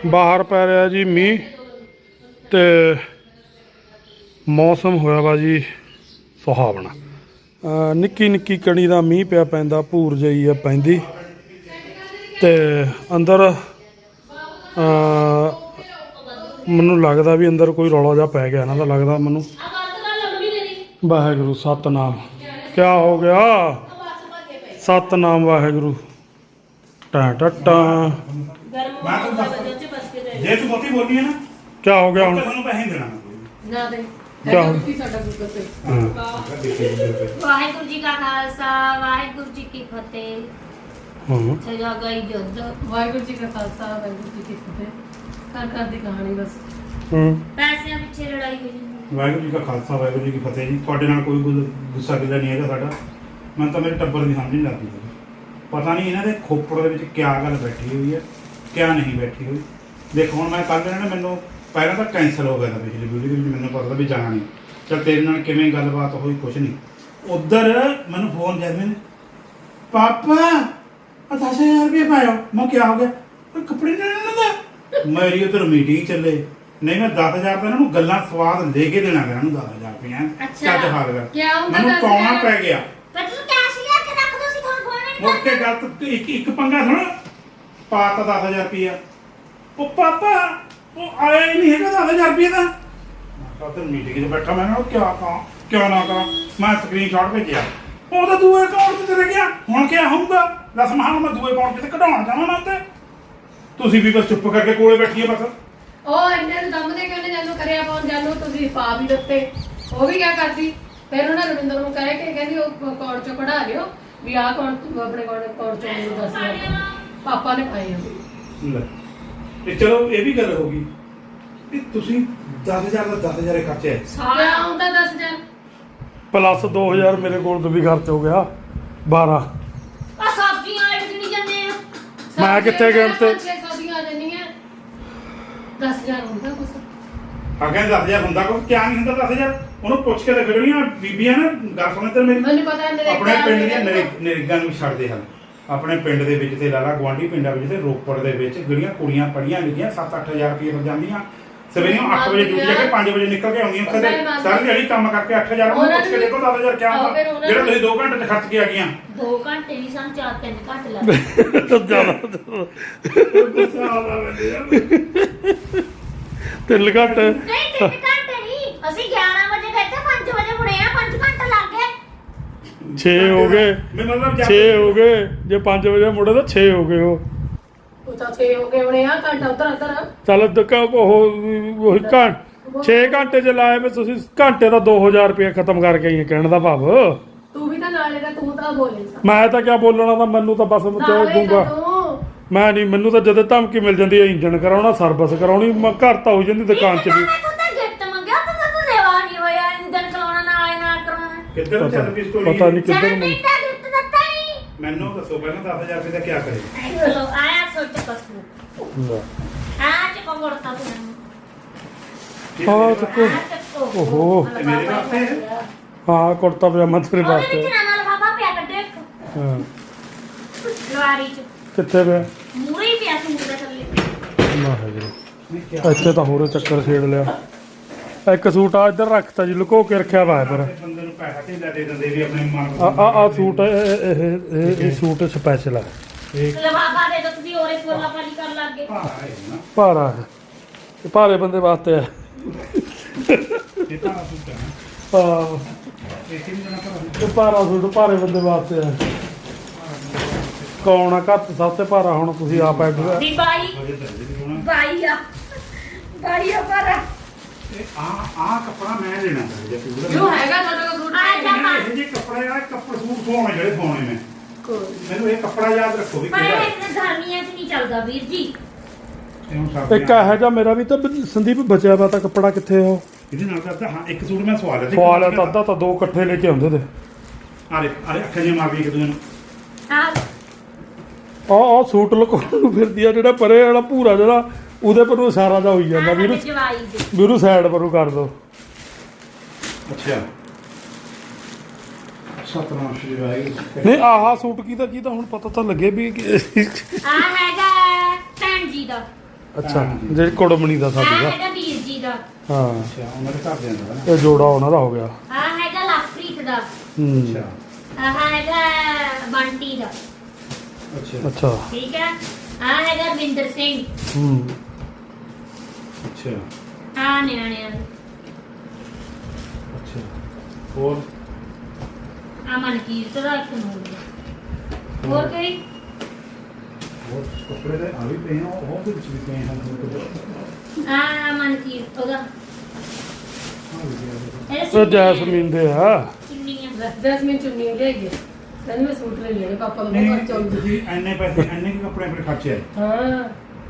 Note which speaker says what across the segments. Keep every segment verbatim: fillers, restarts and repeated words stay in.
Speaker 1: ਬਾਹਰ ਪੈ ਰਿਹਾ ਜੀ ਮੀਂਹ ਤੇ ਮੌਸਮ ਹੋਇਆ ਵਾ ਜੀ ਸੁਹਾਵਣਾ। ਨਿੱਕੀ ਨਿੱਕੀ ਕਣੀ ਦਾ ਮੀਂਹ ਪਿਆ ਪੈਂਦਾ, ਭੂਰ ਜਿਹੀ ਆ ਪੈਂਦੀ ਤੇ ਅੰਦਰ ਮੈਨੂੰ ਲੱਗਦਾ ਵੀ ਅੰਦਰ ਕੋਈ ਰੌਲਾ ਜਿਹਾ ਪੈ ਗਿਆ ਇਹਨਾਂ ਦਾ, ਲੱਗਦਾ ਮੈਨੂੰ। ਵਾਹਿਗੁਰੂ ਸਤਨਾਮ। ਕਿਆ ਹੋ ਗਿਆ? ਸਤਨਾਮ ਵਾਹਿਗੁਰੂ। ਟਾਂ ਟਾਂ
Speaker 2: ਜੇ ਤੂੰ ਬਹੁਤੀ ਬੋਲੀ ਹੈ ਨਾ,
Speaker 1: ਕਿਆ ਹੋ ਗਿਆ ਹੁਣ?
Speaker 2: ਤੁਹਾਨੂੰ ਪੈਸੇ ਦੇਣਾ
Speaker 3: ਨਾ ਦੇ
Speaker 1: ਕਿਆ ਹੋ
Speaker 3: ਸਾਡਾ ਗੂਗਲ ਤੇ।
Speaker 4: ਵਾਹਿਗੁਰੂ ਜੀ ਕਾ ਖਾਲਸਾ ਵਾਹਿਗੁਰੂ ਜੀ ਕੀ ਫਤਿਹ।
Speaker 1: ਹਾਂ
Speaker 4: ਸਜਾ ਗਈ ਜੁੱਧ।
Speaker 3: ਵਾਹਿਗੁਰੂ ਜੀ ਕਾ ਖਾਲਸਾ ਵਾਹਿਗੁਰੂ ਜੀ ਕੀ ਫਤਿਹ। ਘਰ ਘਰ ਦੀ ਕਹਾਣੀ ਬਸ।
Speaker 1: ਹੂੰ
Speaker 4: ਪੈਸਿਆਂ ਪਿੱਛੇ ਲੜਾਈ ਹੋਈ ਜਾਂਦੀ।
Speaker 2: ਵਾਹਿਗੁਰੂ ਜੀ ਕਾ ਖਾਲਸਾ ਵਾਹਿਗੁਰੂ ਜੀ ਕੀ ਫਤਿਹ ਜੀ। ਤੁਹਾਡੇ ਨਾਲ ਕੋਈ ਗੁ- ਗੁੱਸਾ ਗਿਲਾ ਨਹੀਂ ਹੈਗਾ ਸਾਡਾ। ਮੈਨੂੰ ਤਾਂ ਮੇਰੇ ਟੱਬਰ ਦੀ ਸਮਝ ਨਹੀਂ ਲੱਗਦੀ ਹੈ। ਪਤਾ ਨਹੀਂ ਇਹਨਾਂ ਦੇ ਖੋਪੜ ਦੇ ਵਿੱਚ ਕਿਆ ਗੱਲ ਬੈਠੀ ਹੋਈ ਹੈ, ਕਿਆ ਨਹੀਂ ਬੈਠੀ ਹੋਈ। ਦੇਖੋ ਹੁਣ ਮੈਂ ਕੱਲ੍ਹ ਇਹਨਾਂ ਨੇ ਮੈਨੂੰ ਪਹਿਲਾਂ ਤਾਂ ਕੈਂਸਲ ਹੋ ਗਿਆ ਤਾਂ ਪਿਛਲੀ ਵੀਡੀਓ ਦੇ ਵਿੱਚ ਮੈਨੂੰ ਪਤਾ ਵੀ ਜਾਣਾ ਨਹੀਂ। ਚੱਲ ਤੇਰੇ ਨਾਲ ਕਿਵੇਂ ਗੱਲਬਾਤ ਹੋਈ ਕੁਛ ਨਹੀਂ। ਉੱਧਰ ਮੈਨੂੰ ਫੋਨ ਜੈਸਮੀਨ, ਪਾਪਾ ਆ ਦਸ ਹਜ਼ਾਰ ਰੁਪਏ ਪਾਇਓ। ਮੈਂ ਕਿਹਾ ਹੋ ਗਿਆ? ਕੋਈ ਕੱਪੜੇ ਨਹੀਂ ਲੈਣਾ ਦਾ। ਮੇਰੀ ਉੱਧਰ ਮੀਟਿੰਗ ਚੱਲੇ। ਨਹੀਂ ਮੈਂ ਦਸ ਹਜ਼ਾਰ ਤਾਂ ਇਹਨਾਂ ਨੂੰ ਗੱਲਾਂ ਸਵਾਦ ਲੈ ਕੇ ਦੇਣਾ ਇਹਨਾਂ ਨੂੰ ਦਸ ਹਜ਼ਾਰ ਰੁਪਏ। ਚੱਜ ਹਾਲ ਕਰ
Speaker 3: ਕਿਆ ਹੁੰਦਾ
Speaker 2: ਮੈਨੂੰ
Speaker 3: ਦਸ
Speaker 2: ਪਾਉਣਾ
Speaker 3: ਹਜ਼ਾਰ?
Speaker 2: ਪੈ ਗਿਆ।
Speaker 4: ਪਰ ਤੂੰ ਕੈਸ਼ ਲਿਆ ਕੇ ਰੱਖ ਦੋ, ਸੀ ਤੁਹਾਨੂੰ ਫੋਨ ਨਹੀਂ
Speaker 2: ਮੁੜ ਕੇ ਗੱਲ ਤੇ ਇੱਕ ਇੱਕ ਪੰਗਾ ਸੁਣ, ਪਾ ਤਾ ਦਸ ਹਜ਼ਾਰ ਰੁਪਇਆ। ਉਹ ਪਾਪਾ ਉਹ ਆਇਆ ਹੀ ਨਹੀਂ ਹੈਗਾ ਦਸ ਹਜ਼ਾਰ ਰੁਪਏ ਦਾ। ਮੈਂ ਕਿਹਾ ਤੇ ਮੀਟਿੰਗ 'ਚ ਬੈਠਾ, ਮੈਂ ਕਿਹਾ ਕਿਆ ਕਰਾਂ ਕਿਉਂ ਨਾ ਕਰਾਂ। ਮੈਂ ਸਕਰੀਨਸ਼ਾਟ ਭੇਜਿਆ, ਉਹ ਤਾਂ ਦੂਏ ਅਕਾਊਂਟ 'ਚ ਚਲੇ ਗਿਆ। ਹੁਣ ਕਿਆ ਹੋਊਗਾ ਦੱਸ। ਮਹਾਂ ਮੈਂ ਦੂਏ ਅਕਾਊਂਟ 'ਚ ਤੇ ਕਢਾਉਣ ਜਾਵਾਂ ਮੈਂ ਤੇ। ਤੁਸੀਂ ਵੀ ਬਸ ਚੁੱਪ ਕਰਕੇ ਕੋਲੇ ਬੈਠੀਏ ਬਸ।
Speaker 3: ਉਹ ਇੰਨੇ ਨੂੰ ਦਮ ਦੇ ਕੇ ਉਹਨੇ ਜਾਨੂੰ ਕਰਿਆ ਪਾਉਣ ਜਾਨੂੰ ਤੁਸੀਂ ਪਾ ਵੀ ਦਿੱਤੇ। ਉਹ ਵੀ ਕਿਆ ਕਰਦੀ ਫਿਰ ਉਹਨਾਂ ਰਵਿੰਦਰ ਨੂੰ ਕਹਿ ਕੇ ਕਹਿੰਦੀ ਉਹ ਅਕਾਊਂਟ ਚੋਂ ਕਢਾ ਲਿਓ ਵੀ ਆਹ ਅਕਾਊਂਟ ਆਪਣੇ ਅਕਾਊਂਟ ਚੋਂ ਮੈਨੂੰ ਦੱਸ ਦਿਓ। ਪਾਪਾ ਨੇ ਪਾਏ ਆ।
Speaker 2: ਲੈ ਤੇ ਚਲੋ ਇਹ ਵੀ ਗੱਲ ਹੋ ਗਈ ਵੀ ਤੁਸੀਂ ਦਸ ਹਜ਼ਾਰ ਦਾ ਦਸ ਹਜ਼ਾਰ ਖਰਚੇ ਹੈ।
Speaker 3: ਕਿਆ ਆਉਂਦਾ ਦਸ ਹਜ਼ਾਰ?
Speaker 1: ਪਲੱਸ ਦੋ ਹਜ਼ਾਰ ਮੇਰੇ ਕੋਲ ਤੋਂ ਵੀ ਖਰਚ ਹੋ ਗਿਆ ਬਾਰਾਂ।
Speaker 4: ਆ ਸਬਜ਼ੀਆਂ ਵਾਲੇ ਕਿੰਨੀ ਜਾਂਦੇ ਆ।
Speaker 1: ਮੈਂ ਕਿੱਥੇ ਗਿਆ ਤੇ?
Speaker 3: ਛੇ ਸੌ ਦੀਆਂ ਆ ਜਾਂਦੀਆਂ। ਦਸ ਹਜ਼ਾਰ ਹੁੰਦਾ ਕੁਛ?
Speaker 2: ਆ ਕਹਿੰਦੇ ਦਸ ਹਜ਼ਾਰ ਹੁੰਦਾ ਕੁਛ, ਕਿਆ ਨਹੀਂ ਹੁੰਦਾ ਦਸ ਹਜ਼ਾਰ। ਉਹਨੂੰ ਪੁੱਛ ਕੇ ਦੇਖ ਜਿਹੜੀਆਂ ਬੀਬੀਆਂ ਨਾ ਗੱਲ ਸੁਣੇ ਤੇ ਮੇਰੀ।
Speaker 3: ਮੈਨੂੰ ਪਤਾ ਨਰੇਗਾ
Speaker 2: ਆਪਣੇ ਪਿੰਡ ਦੀਆਂ ਨਰੇਗਾ ਨੂੰ ਛੱਡਦੇ ਹਨ। ਆਪਣੇ ਪਿੰਡ ਦੇ ਵਿੱਚ ਤੇ ਲਾਲਾ ਗੁਆਂਢੀ ਪਿੰਡਾਂ ਵਿੱਚ ਤੇ ਰੋਪੜ ਦੇ ਵਿੱਚ ਜਿਹੜੀਆਂ ਕੁੜੀਆਂ ਪੜੀਆਂ ਲਿਖੀਆਂ ਸੱਤ ਅੱਠ ਹਜ਼ਾਰ ਰੁਪਏ ਮਿਲ ਜਾਂਦੀਆਂ। ਸਵੇਰੇ ਅੱਠ ਵਜੇ ਡਿਊਟੀ ਜਾ ਕੇ ਪੰਜ ਵਜੇ ਨਿਕਲ ਕੇ ਆਉਂਦੀਆਂ। ਉੱਥੇ ਤੇ ਸਾਰੀ ਦਿਹਾੜੀ ਕੰਮ ਕਰਕੇ ਅੱਠ ਹਜ਼ਾਰ ਉਹਨੂੰ ਪੁੱਛ ਕੇ ਦੇਖੋ ਦਸ ਹਜ਼ਾਰ ਕਿਆ ਹੁੰਦਾ ਜਿਹੜਾ ਤੁਸੀਂ ਦੋ ਘੰਟੇ 'ਚ ਖਰਚ ਕੇ ਆ ਗਈਆਂ।
Speaker 4: ਦੋ ਘੰਟੇ ਨਹੀਂ ਸਾਨੂੰ ਚਾਰ ਤਿੰਨ ਘੰਟੇ ਲੱਗਦੇ।
Speaker 1: ਜ਼ਿਆਦਾ ਤਿੰਨ ਘੱਟ
Speaker 4: ਨਹੀਂ ਤਿੰਨ ਘੰਟੇ ਨਹੀਂ, ਅਸੀਂ ਗਿਆਰਾਂ ਵਜੇ ਗਏ ਤੇ ਪੰਜ ਵਜੇ ਮੁੜੇ ਆ। ਪੰਜ ਘੰਟੇ ਲੱਗ ਗਏ।
Speaker 1: ਛੇ ਹੋ ਗਏ।
Speaker 2: ਮੈਂ ਮਤਲਬ
Speaker 1: ਛੇ ਹੋ ਗਏ। ਜੇ ਪੰਜ ਵਜੇ ਮੁੜੇ ਤਾਂ ਛੇ ਹੋ ਗਏ। ਉਹ
Speaker 3: ਉਹ ਤਾਂ ਛੇ ਹੋ ਗਏ ਹੋਣੇ ਆ। ਘੰਟਾ ਉੱਧਰ ਉੱਧਰ
Speaker 1: ਚੱਲ ਦਕਾ ਉਹ ਉਹੀ ਘੰ ਛੇ ਘੰਟੇ ਚ ਲਾਏ ਵੀ ਤੁਸੀਂ ਘੰਟੇ ਦਾ ਦੋ ਹਜ਼ਾਰ ਰੁਪਏ ਖਤਮ ਕਰਕੇ ਆਈਏ, ਕਹਿਣ ਦਾ ਭਾਵ।
Speaker 3: ਤੂੰ ਵੀ ਤਾਂ ਨਾਲੇ ਦਾ ਤੂੰ ਤਾਂ ਬੋਲੇ ਸਾ
Speaker 1: ਮੈਂ ਤਾਂ ਕਿਆ ਬੋਲਣਾ ਤਾਂ ਮੈਨੂੰ ਤਾਂ ਬਸ ਮੈਂ ਦੂੰਗਾ। ਮੈਂ ਨਹੀਂ, ਮੈਨੂੰ ਤਾਂ ਜਦੋਂ ਧਮਕੀ ਮਿਲ ਜਾਂਦੀ ਹੈ ਇੰਜਣ ਕਰਾਉਣਾ ਸਰਵਿਸ ਕਰਾਉਣੀ, ਮੈਂ ਘਰ ਤਾਂ ਹੋ ਜਾਂਦੀ ਦੁਕਾਨ 'ਚ ਵੀ।
Speaker 4: ਮੈਂ ਤਾਂ ਗਿਫਟ ਮੰਗਿਆ ਤਾਂ ਤੂੰ ਦੇਵਾ ਨਹੀਂ ਹੋਇਆ। ਇੰਜਨ ਚਲਾਉਣਾ ਨਾਲ ਨਾਲ ਕਰਾਉਣਾ।
Speaker 2: ਕਿੱਧਰ ਚੱਲ ਪਈ ਸਟੋਰੀ।
Speaker 1: ਪਤਾ ਨਹੀਂ ਕਿੱਧਰ
Speaker 4: ਜਨਮ
Speaker 1: ਨੂੰ।
Speaker 4: ਦਿਨ ਦਾ ਗਿਫਟ ਦਿੱਤਾ ਨਹੀਂ।
Speaker 2: ਮੈਨੂੰ ਦੱਸੋ ਪਹਿਲਾਂ ਦਸ ਹਜ਼ਾਰ ਰੁਪਏ ਦਾ ਕੀ ਕਰੇ।
Speaker 4: ਚਲੋ ਆਇਆ ਸੋਚ ਪਸੂ ਆ ਚੱਕੋ ਮੋੜਤਾ ਤੂੰ ਮੈਨੂੰ।
Speaker 1: ਹਾਂ ਚੱਕੋ।
Speaker 4: ਆ ਚੱਕੋ।
Speaker 1: ਓਹੋ।
Speaker 2: ਇਹ ਮੇਰੇ ਵਾਸਤੇ ਹੈ?
Speaker 1: ਹਾਂ ਕੁੜਤਾ ਪਜਾਮਾ ਤੇਰੇ
Speaker 4: ਉਹਦੇ
Speaker 1: ਵਾਸਤੇ।
Speaker 4: ਵਿੱਚ ਨਾ ਨਾਲ ਬਾਬਾ ਪਿਆ ਕੱਢੇ ਇੱਕ
Speaker 1: ਹਾਂ
Speaker 4: ਲਵਾਰੀ ਚ
Speaker 1: ਕਿੱਥੇ ਪਿਆ?
Speaker 4: ਮੂਰੇ ਹੀ ਪਿਆ ਸੀ ਮੂਰੇ ਥੱਲੇ।
Speaker 1: ਵਾਹਿਗੁਰੂ। ਇੱਥੇ ਤਾਂ ਹੋਰੇ ਚੱਕਰ ਛੇੜ ਲਿਆ। ਇੱਕ ਸੂਟ ਆ ਇੱਧਰ ਰੱਖਤਾ ਜੀ, ਲੁਕੋ ਕੇ ਰੱਖਿਆ ਵਾ ਪਰ।
Speaker 2: ਬੰਦੇ ਨੂੰ ਪੈਸਾ ਢੇਲਾ ਦੇ ਦਿੰਦੇ ਵੀ ਆਪਣੇ ਮਨ
Speaker 1: ਆ ਆ ਆ ਸੂਟ ਇਹ ਇਹ ਇਹ- ਇਹ ਸੂਟ ਸਪੈਸ਼ਲ ਆ। ਇਹ
Speaker 4: ਲਵਾਬਾ ਦੇ ਦੋ ਤੁਸੀਂ ਔਰੇ ਕੋਲਾ ਪਾਲੀ ਕਰ ਲੱਗੇ।
Speaker 2: ਭਾਰਾ ਹੈ ਨਾ।
Speaker 1: ਭਾਰਾ ਹੈ। ਇਹ ਭਾਰੇ ਬੰਦੇ ਵਾਸਤੇ ਆ।
Speaker 2: ਇਹ ਤਾਂ ਸੂਟ ਹੈ
Speaker 1: ਹਾਂ
Speaker 2: ਇਹ ਕਿੰਨੇ ਜਣਾ ਭਰਾ।
Speaker 1: ਇਹ ਭਾਰਾ ਸੂਟ ਭਾਰੇ ਬੰਦੇ ਵਾਸਤੇ ਆ। ਕੌਣ ਆ ਘਰ 'ਚ ਸਭ ਤੋਂ ਭਾਰਾ? ਹੁਣ ਤੁਸੀਂ ਆਪ ਐਡ
Speaker 4: ਦੀ ਬਾਈ
Speaker 2: ਵਜੇ ਦਰਜੇ ਦੀ ਹੋਣਾ।
Speaker 4: ਬਾਈ ਆ ਬਾਈ ਆ ਪਰ
Speaker 2: ਇਹ ਆ ਆ ਕੱਪੜਾ ਮੈਂ ਲੈਣਾ ਚਾਹੀਦਾ ਪੂਰਾ।
Speaker 3: ਜੋ ਹੈਗਾ ਤੁਹਾਡੇ ਕੋਲ ਸੂਟ
Speaker 4: ਆ ਜਾ ਪਾ।
Speaker 2: ਇਹ ਜੇ ਕੱਪੜੇ ਆ ਕੱਪੜੇ ਸੂਟ ਸੋਹਣੇ ਜਿਹੜੇ ਪਾਉਣੇ ਮੈਂ। ਮੈਨੂੰ ਇਹ ਕੱਪੜਾ ਯਾਦ ਰੱਖੋ ਵੀ
Speaker 4: ਪਰ
Speaker 2: ਕਿਹੜਾ ਹੈ।
Speaker 4: ਇਹ ਗਰਮੀਆਂ 'ਚ ਨਹੀਂ ਚੱਲਦਾ ਵੀਰ ਜੀ।
Speaker 2: ਇਹ ਹੁਣ ਸਰਦੀਆਂ-
Speaker 1: ਇੱਕ ਇਹੋ ਜਿਹਾ ਮੇਰਾ ਵੀ ਤਾਂ ਸੰਦੀਪ ਬਚਿਆ ਵਾ ਤਾਂ ਕੱਪੜਾ ਕਿੱਥੇ ਆ ਉਹ?
Speaker 2: ਇਹਦੇ ਨਾਲ ਕਰਦਾ ਹਾਂ ਇੱਕ ਸੂਟ ਮੈਂ ਸਵਾ ਲਿਆ ਸੀ।
Speaker 1: ਸਵਾਲ ਹੈ ਤਾਂ ਅੱਧਾ ਤਾਂ ਦੋ ਇਕੱਠੇ ਲੈ ਕੇ ਆਉਂਦੇ ਤੇ।
Speaker 2: ਆਰੇ ਆਰੇ ਅੱਖਾਂ ਜਿਹੀਆਂ ਮਾਰਦੀ ਇੱਕ ਦੂਜੇ ਨੂੰ।
Speaker 4: ਹਾਂ
Speaker 1: ਆ ਆ ਸੂਟ ਲੁਕਾਉਣ ਨੂੰ ਫਿਰਦੀ ਆ ਜਿਹੜਾ ਪਰੇ ਵਾਲਾ ਭੂਰਾ ਜਿਹੜਾ ਉਹਦੇ ਪਰ ਨੂੰ ਇਸ਼ਾਰਾ ਜਾ ਹੋਈ ਜਾਂਦਾ ਵੀਰੂ
Speaker 4: ਜਵਾਈ ਦੇ
Speaker 1: ਵੀਰੂ ਸਾਈਡ ਪਰੂ ਕਰ ਦੋ।
Speaker 2: ਅੱਛਾ ਸਤਨਾਮ ਸ਼੍ਰੀ ਵਾਹਿਗੁਰੂ।
Speaker 1: ਨਹੀਂ ਆਹ ਸੂਟ ਕੀ ਦਾ ਕੀ ਦਾ ਹੁਣ ਪਤਾ ਤਾਂ ਲੱਗੇ ਵੀ ਕਿ-
Speaker 4: ਆ ਹੈਗਾ ਭੈਣ ਜੀ ਦਾ।
Speaker 1: ਅੱਛਾ
Speaker 2: ਹਾਂਜੀ।
Speaker 1: ਜਿਹੜੀ ਕੁੜਮਣੀ ਦਾ
Speaker 4: ਆ
Speaker 1: ਸਾਡੀ ਦਾ
Speaker 4: ਹੈਗਾ ਵੀਰ ਜੀ ਦਾ,
Speaker 1: ਹਾਂ
Speaker 2: ਅੱਛਾ ਉਹਨਾਂ ਦੇ ਘਰ ਦੇ ਅੰਦਰ ਨਾ
Speaker 1: ਇਹ ਜੋੜਾ ਉਹਨਾਂ ਦਾ ਹੋ ਗਿਆ
Speaker 4: ਆ ਹੈਗਾ ਲਵਪ੍ਰੀਤ ਦਾ,
Speaker 1: ਹੂੰ
Speaker 2: ਅੱਛਾ
Speaker 4: ਆ ਹੈਗਾ ਬੰਟੀ ਦਾ,
Speaker 2: ਅੱਛਾ
Speaker 1: ਅੱਛਾ
Speaker 4: ਠੀਕ ਹੈ। ਆ ਹੈਗਾ ਰਵਿੰਦਰ ਸਿੰਘ,
Speaker 1: ਹੂੰ
Speaker 2: ਅੱਛਾ
Speaker 4: ਆ ਨਿਆਣਿਆਂ ਦਾ,
Speaker 2: ਅੱਛਾ ਹੋਰ
Speaker 4: ਆ ਮਨਕੀਰਤ ਦਾ ਇੱਕ ਨੂਰ ਦਾ। ਹੋਰ ਕੋਈ
Speaker 2: ਹੋਰ ਕੱਪੜੇ ਦੇ ਆ ਵੀ ਪਏ ਆ ਉਹ ਦੇ ਵਿੱਚ ਵੀ ਪਏ ਹਨ
Speaker 4: ਆ ਮਨਕੀਰਤ ਉਹਦਾ
Speaker 1: ਇਹ ਜੈਸਮੀਨ ਦੇ ਆ
Speaker 4: ਚੁੰਨੀਆਂ
Speaker 3: ਜੈਸਮੀਨ ਚੁੰਨੀ ਲਿਆਈ ਹੈ ਕਹਿੰਦੀ ਮੈਂ ਸੂਟ ਲੈ ਲਿਆ ਪਾਪਾ ਦਾ
Speaker 2: ਨਹੀਂ
Speaker 3: ਬਹੁਤ ਚਾਹੁੰਦੀ
Speaker 2: ਤੁਸੀਂ ਐਨੇ ਪੈਸੇ ਐਨੇ ਕੁ ਕੱਪੜੇ ਆਪਣੇ ਖਰਚੇ ਆਏ
Speaker 3: ਹਾਂ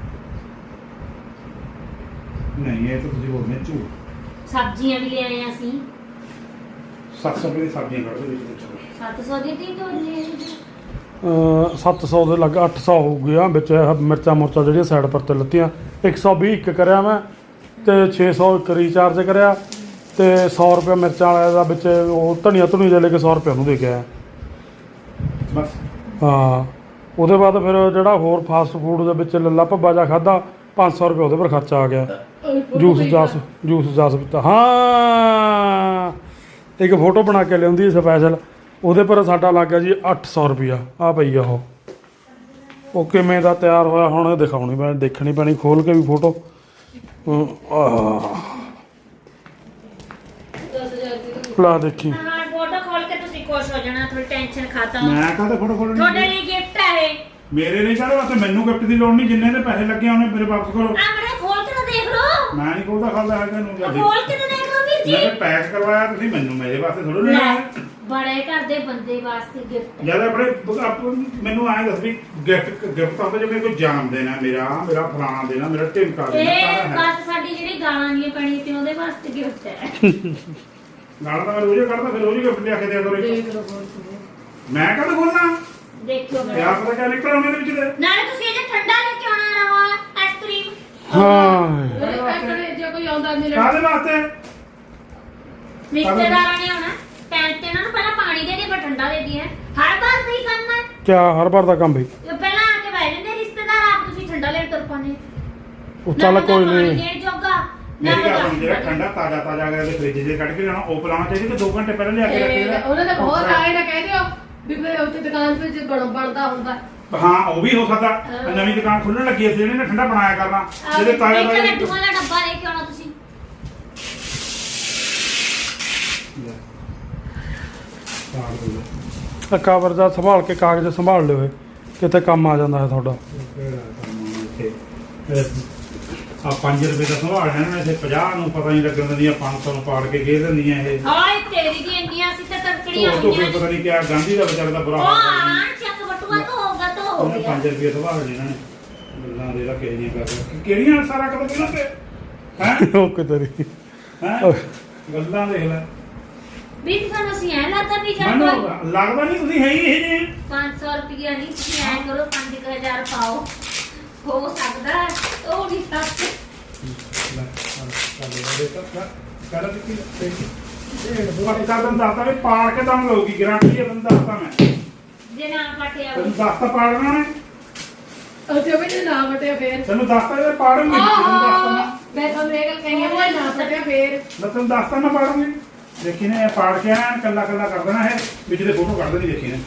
Speaker 2: ਨਹੀਂ ਇਹ ਤਾਂ ਤੁਸੀਂ ਬੋਲਦੇ ਝੂਠ
Speaker 4: ਸਬਜ਼ੀਆਂ ਵੀ ਲੈ ਆਏ ਅਸੀਂ,
Speaker 2: ਸੱਤ ਸੌ ਰੁਪਏ ਦੀ ਸਬਜ਼ੀਆਂ ਕੱਢ ਦੇ ਵਿੱਚ
Speaker 4: ਸੱਤ ਸੌ ਦੀ ਤੀ ਤੋਂ ਲੈ
Speaker 1: ਅਹ ਸੱਤ ਸੌ ਦੇ ਲੱਗ ਅੱਠ ਸੌ ਹੋ ਗਿਆ ਵਿੱਚ ਇਹ ਮਿਰਚਾਂ ਮੁਰਚਾਂ ਜਿਹੜੀਆਂ ਸਾਈਡ ਪਰ ਤੇ ਲੱਤੀਆਂ ਇੱਕ ਸੌ ਵੀਹ ਇੱਕ ਕਰਿਆ ਮੈਂ ਤੇ ਛੇ ਸੌ ਇੱਕ ਰੀਚਾਰਜ ਕਰਿਆ ਤੇ ਸੌ ਰੁਪਏ ਮਿਰਚਾਂ ਵਾਲੇ ਦਾ ਵਿੱਚ ਉਹ ਧਨੀਆ ਧੁਨੀ ਦੇ ਲੈ ਕੇ ਸੌ ਰੁਪਏ ਉਹਨੂੰ ਦੇ ਕੇ ਆਇਆ
Speaker 2: ਬਸ
Speaker 1: ਹਾਂ ਉਹਦੇ ਬਾਅਦ ਫਿਰ ਜਿਹੜਾ ਹੋਰ ਫਾਸਟ ਫੂਡ ਦੇ ਵਿੱਚ ਲੱਲਾ ਭੱਬਾ ਜਾ ਖਾਦਾ ਪੰਜ ਸੌ ਰੁਪਏ ਉਹਦੇ ਪਰ ਖਰਚਾ ਆ ਗਿਆ ਜੂਸ ਜਾਸ ਜੂਸ ਜਾਸ ਪੀਤਾ ਹਾਂ ਇੱਕ ਫੋਟੋ ਬਣਾ ਕੇ ਲਿਆਉਂਦੀ ਸਪੈਸ਼ਲ ਉਹਦੇ ਪਰ ਸਾਡਾ ਲੱਗ ਗਿਆ ਜੀ ਅੱਠ ਸੌ ਰੁਪਿਆ ਆ ਪਈ ਆ ਉਹ ਉਹ ਕਿਵੇਂ ਦਾ ਤਿਆਰ ਹੋਇਆ ਹੁਣ ਇਹ ਦਿਖਾਉਣੀ ਪੈਣੀ ਦੇਖਣੀ ਪੈਣੀ ਖੋਲ ਕੇ ਵੀ ਫੋਟੋ ਲਾ ਦੇਖੀ
Speaker 4: ਹਾਂ ਫੋਟੋ ਖੋਲ ਕੇ ਤੁਸੀਂ ਖੁਸ਼ ਹੋ ਜਾਣਾ, ਥੋੜੀ ਟੈਨਸ਼ਨ ਖਤਮ।
Speaker 2: ਮੈਂ ਕਾਹਦੇ ਫੋਟੋ ਖੋਲਣੀ
Speaker 4: ਤੁਹਾਡੇ ਲਈ ਗਿਫਟ ਹੈ ਇਹ।
Speaker 2: ਮੇਰੇ ਨਹੀਂ ਚਲੋ ਵਾਸਤੇ ਮੈਨੂੰ ਗਿਫਟ ਦੀ ਲੋੜ ਨਹੀਂ ਜਿੰਨੇ ਦੇ ਪੈਸੇ ਲੱਗੇ ਉਹਨੇ ਮੇਰੇ ਵਾਪਸ ਕਰੋ
Speaker 4: ਆ ਮੇਰੇ ਖੋਲ ਕੇ ਤਾਂ ਦੇਖ ਲਓ,
Speaker 2: ਮੈਂ ਨਹੀਂ ਕੋਲਦਾ ਖਾਂਦਾ ਹੈਗਾ ਨੂੰ
Speaker 4: ਆ ਖੋਲ ਕੇ ਤਾਂ ਦੇਖ ਲਓ ਵੀਰ ਜੀ।
Speaker 2: ਮੈਂ ਪੈਕ ਕਰਵਾਇਆ ਤੁਸੀਂ ਮੈਨੂੰ ਮੇਰੇ ਵਾਸਤੇ ਥੋੜਾ ਲੈਣਾ ਹੈ
Speaker 4: ਬੜੇ ਘਰ ਦੇ ਬੰਦੇ ਵਾਸਤੇ ਗਿਫਟ।
Speaker 2: ਜਦ ਆਪਣੇ ਆਪ ਮੈਨੂੰ ਆਏ ਦੱਸ ਵੀ ਗਿਫਟ ਗਿਫਟ ਆਉਂਦਾ ਜਿਵੇਂ ਕੋਈ ਜਾਨ ਦੇਣਾ ਮੇਰਾ ਮੇਰਾ ਫਲਾਣਾ ਦੇਣਾ ਮੇਰਾ ਢਿਮਕਾ ਦੇਣਾ
Speaker 4: ਇਹ
Speaker 2: ਸਾਰਾ ਹੈ
Speaker 4: ਬਸ ਸਾਡੀ ਜਿਹੜੀ ਗਾਲਾਂ ਦੀਆਂ ਪੈਣੀਆਂ ਤੇ ਉਹਦੇ ਵਾਸਤੇ ਗਿਫਟ ਹੈ।
Speaker 2: ਨਾਲ ਤਾਂ ਮੈਂ ਰੋਜ਼ ਹੀ ਕੱਢਦਾ ਫਿਰ ਰੋਜ਼ ਹੀ ਗਿਫਟ ਲਿਆ ਕੇ ਦਿਆ ਕਰੋ ਇੱਕ।
Speaker 3: ਦੇਖ ਲਓ ਬਹੁਤ ਸੋਹਣਾ।
Speaker 2: ਮੈਂ ਕਦ ਖੋਲਣਾ
Speaker 4: ਦੇਖਿਓ
Speaker 2: ਕਿਆ
Speaker 4: ਮੇਰਾ,
Speaker 2: ਪਤਾ ਕਿਆ ਨਿਕਲ ਆਉਂਦੇ ਦੇ ਵਿੱਚ ਦੇ
Speaker 4: ਨਾਲੇ ਤੁਸੀਂ ਇਹ ਠੰਡਾ ਲੈ ਕੇ ਆਉਣਾ ਰਹਾ ਆਈਸਕ੍ਰੀਮ।
Speaker 1: ਹਾਂ
Speaker 3: ਇਹ ਪੈਕੜੇ ਜੇ ਕੋਈ ਆਉਂਦਾ ਮਿਲਣ
Speaker 2: ਕਾਹਦੇ ਵਾਸਤੇ
Speaker 4: ਰਿਸ਼ਤੇਦਾਰਾਂ ਨੇ ਆਉਣਾ, ਟਾਈਮ ਤੇ ਇਹਨਾਂ ਨੂੰ ਪਹਿਲਾਂ ਪਾਣੀ ਦੇ ਦੇ ਫਿਰ ਠੰਡਾ ਦੇ ਦੀ ਹੈ। ਹਰ ਵਾਰ ਸਹੀ ਕਰਨਾ ਹੈ।
Speaker 1: ਕਿਆ ਹਰ ਵਾਰ ਦਾ ਕੰਮ ਬਈ
Speaker 4: ਇਹ ਪਹਿਲਾਂ ਆ ਕੇ ਬਹਿ ਜਾਂਦੇ ਰਿਸ਼ਤੇਦਾਰ, ਆਪ ਤੁਸੀਂ ਠੰਡਾ ਲੈਣ ਤੁਰ ਪਾਉਂਦੇ।
Speaker 1: ਉਹ ਚੱਲ ਕੋਈ ਨਹੀਂ
Speaker 4: ਦੇਣ ਜੋਗਾ ਨਾ
Speaker 2: ਮੇਰੀ ਗੱਲ ਸੁਣ
Speaker 4: ਬੰਦਾ
Speaker 2: ਜਿਹੜਾ ਠੰਡਾ ਤਾਜ਼ਾ ਤਾਜ਼ਾ ਅਗਰ ਦੇ ਫ੍ਰਿਜ ਦੇ ਕੱਢ ਕੇ ਜਾਣਾ ਉਹ ਪਿਲਾਉਣਾ ਚਾਹੀਦਾ ਕਿ ਦੋ ਘੰਟੇ ਪਹਿਲਾਂ ਲਿਆ ਕੇ ਰੱਖੀਦਾ
Speaker 3: ਉਹਨਾਂ ਦਾ ਬਹੁਤ ਆਏ ਨਾ ਕਹਿ ਦਿਓ ਵੀ ਫਿਰ ਉੱਥੇ ਦੁਕਾਨ ਤੇ ਜੇ ਬਣ ਬਣਦਾ ਹੁੰਦਾ
Speaker 2: ਹਾਂ ਉਹ ਵੀ ਹੋ ਸਕਦਾ ਨਵੀਂ ਦੁਕਾਨ ਖੁੱਲਣ ਲੱਗੀ ਐ ਜਿਹਨੇ ਨੇ ਠੰਡਾ ਬਣਾਇਆ ਕਰਨਾ ਜਿਹਦੇ ਤਾਜ਼ਾ
Speaker 4: ਇੱਕ
Speaker 2: ਤਾਜ਼ਾ
Speaker 4: ਲੱਡੂਆਂ ਦਾ ਡੱਬਾ ਲੈ ਕੇ ਆਉਣਾ ਤੁਸੀਂ।
Speaker 1: ਕਵਰ ਦਾ ਸੰਭਾਲ ਕੇ ਕਾਗਜ਼ ਸੰਭਾਲ ਲਿਓ ਇਹ, ਕਿਤੇ ਕੰਮ ਆ ਜਾਂਦਾ ਹੈ ਤੁਹਾਡਾ
Speaker 2: ਆ ਪੰਜ ਰੁਪਏ ਦਾ ਸੰਭਾਲ ਹੈ ਨਾ ਇੱਥੇ ਪੰਜਾਹ ਨੂੰ ਪਤਾ ਨਹੀਂ ਲੱਗਣ ਦਿੰਦੀਆਂ ਪੰਜ ਸੌ ਨੂੰ ਪਾੜ ਕੇ ਗੇ ਦਿੰਦੀਆਂ ਇਹ
Speaker 4: ਹਾਏ ਤੇਰੀ ਦੀ ਇੰਡੀਆਂ ਸੀ ਤੇ ਤੜਕੜੀਆਂ
Speaker 2: ਉਹ ਤੋਂ
Speaker 4: ਹੋਈਆਂ।
Speaker 2: ਪਤਾ ਨਹੀਂ ਕਿਆ ਗਾਂਧੀ ਦਾ ਵਿਚਾਰੇ ਦਾ ਬੁਰਾ
Speaker 4: ਉਹ
Speaker 2: ਹਾਲ
Speaker 4: ਆਂ ਚੱਕ ਬਟੂਆ ਤੋਂ ਹੋਗਾ ਤਾਂ ਹੋ
Speaker 2: ਉਹਨੇ
Speaker 4: ਗਿਆ।
Speaker 2: ਪੰਜ ਰੁਪਏ ਸੰਭਾਲ ਲੈਣਾ ਨੇ ਗੱਲਾਂ ਦੇ ਰੱਖੇ ਜੀਆਂ ਕਰ ਕਿਹੜੀਆਂ ਸਾਰਾ ਕਦੋਂ ਕਿਹਨਾਂ ਤੇ ਹੈ
Speaker 1: ਓਕੇ ਤੇਰੀ
Speaker 2: ਹੈ ਗੱਲਾਂ ਦੇਖ ਲੈ
Speaker 4: ਵੀ ਤੁਹਾਨੂੰ ਅਸੀਂ ਐ ਲੱਗਦਾ ਵੀ ਜਾਂ
Speaker 2: ਮੈਨੂੰ
Speaker 4: ਕੋਈ
Speaker 2: ਲੱਗਦਾ ਨਹੀਂ ਤੁਸੀਂ ਹੈ ਹੀ ਇਹ ਜੇ
Speaker 4: ਪੰਜ ਸੌ ਰੁਪਇਆ ਨਹੀਂ ਤੁਸੀਂ ਐ ਕਰੋ ਪੰਜ ਕੁ ਹਜ਼ਾਰ ਪਾਓ, ਹੋ ਸਕਦਾ ਹੈ, ਉਹ ਨਹੀਂ ਸੱਚ।
Speaker 2: ਲੈ ਚੱਲ ਦੇ ਤਾਂ ਕਰ ਦਿੱਤੀ ਇਹ ਬਾਕੀ ਕਰ ਦਿੰਦਾ ਦੱਸਦਾ ਵੀ ਪਾੜ ਕੇ ਤੁਹਾਨੂੰ ਲਊਗੀ ਗਾਰੰਟੀ ਹੈ ਤੁਹਾਨੂੰ ਦੱਸਦਾ ਮੈਂ
Speaker 4: ਜੇ ਨਾ ਪਟਿਆ
Speaker 2: ਤੈਨੂੰ ਦੱਸਤਾ ਪਾੜਨਾ ਨੇ
Speaker 3: ਉੱਥੇ ਵੀ ਜੇ ਨਾ ਵਟਿਆ ਫੇਰ
Speaker 2: ਤੈਨੂੰ ਦੱਸਤਾ ਇਹ ਪਾੜੂਗੀ ਤੈਨੂੰ ਦੱਸਤਾ ਮੈਂ
Speaker 3: ਮੈਂ ਤੁਹਾਨੂੰ ਇਹ ਗੱਲ ਕਹੀ ਆ ਵੀ ਨਾ ਵਟਿਆ ਫੇਰ
Speaker 2: ਮੈਂ ਤੈਨੂੰ ਦੱਸਤਾ ਮੈਂ ਪਾੜੂਗੀ ਦੇਖੀ ਨੇ ਇਹ ਪਾੜ ਕੇ ਆਇਆ ਕੱਲਾ ਕੱਲਾ ਕਰ ਦੇਣਾ ਹੈ ਵਿੱਚ ਦੇ ਫੋਟੋ ਕੱਢ ਦੇਣੀ ਦੇਖੀ ਨੇ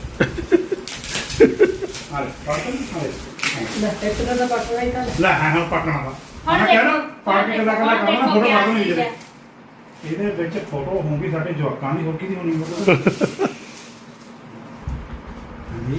Speaker 2: ਹਾਲੇ ਪਾੜ ਕੇ ਹਾਲੇ
Speaker 3: ਲੈ ਇੱਕ ਦਾ ਤਾਂ ਪਟਣਾ ਹੀ ਤਾਂ
Speaker 2: ਲੈ ਹਾਂ ਹਾਂ ਪਟਣਾ ਦਾ
Speaker 4: ਹੁਣ
Speaker 2: ਮੈਂ ਕਹਿ
Speaker 4: ਦੇਖੋ,
Speaker 2: ਨਾ ਪਾੜ ਕੇ ਕੱਲਾ ਕੱਲਾ
Speaker 4: ਹੁਣ
Speaker 2: ਕਰਨਾ
Speaker 4: ਦੇਖੋ
Speaker 2: ਫੋਟੋ
Speaker 4: ਕਿਆ
Speaker 2: ਕੱਢ ਦੇਣੀ
Speaker 4: ਚੀਜ਼
Speaker 2: ਵਿੱਚ
Speaker 4: ਹੈ।
Speaker 2: ਇਹਦੇ ਵਿੱਚ ਫੋਟੋ ਹੋਊਗੀ ਸਾਡੇ ਜਵਾਕਾਂ ਦੀ ਹੋਰ ਕਿਹਦੀ ਹੋਣੀ ਮਤਲਬ ਹਾਂਜੀ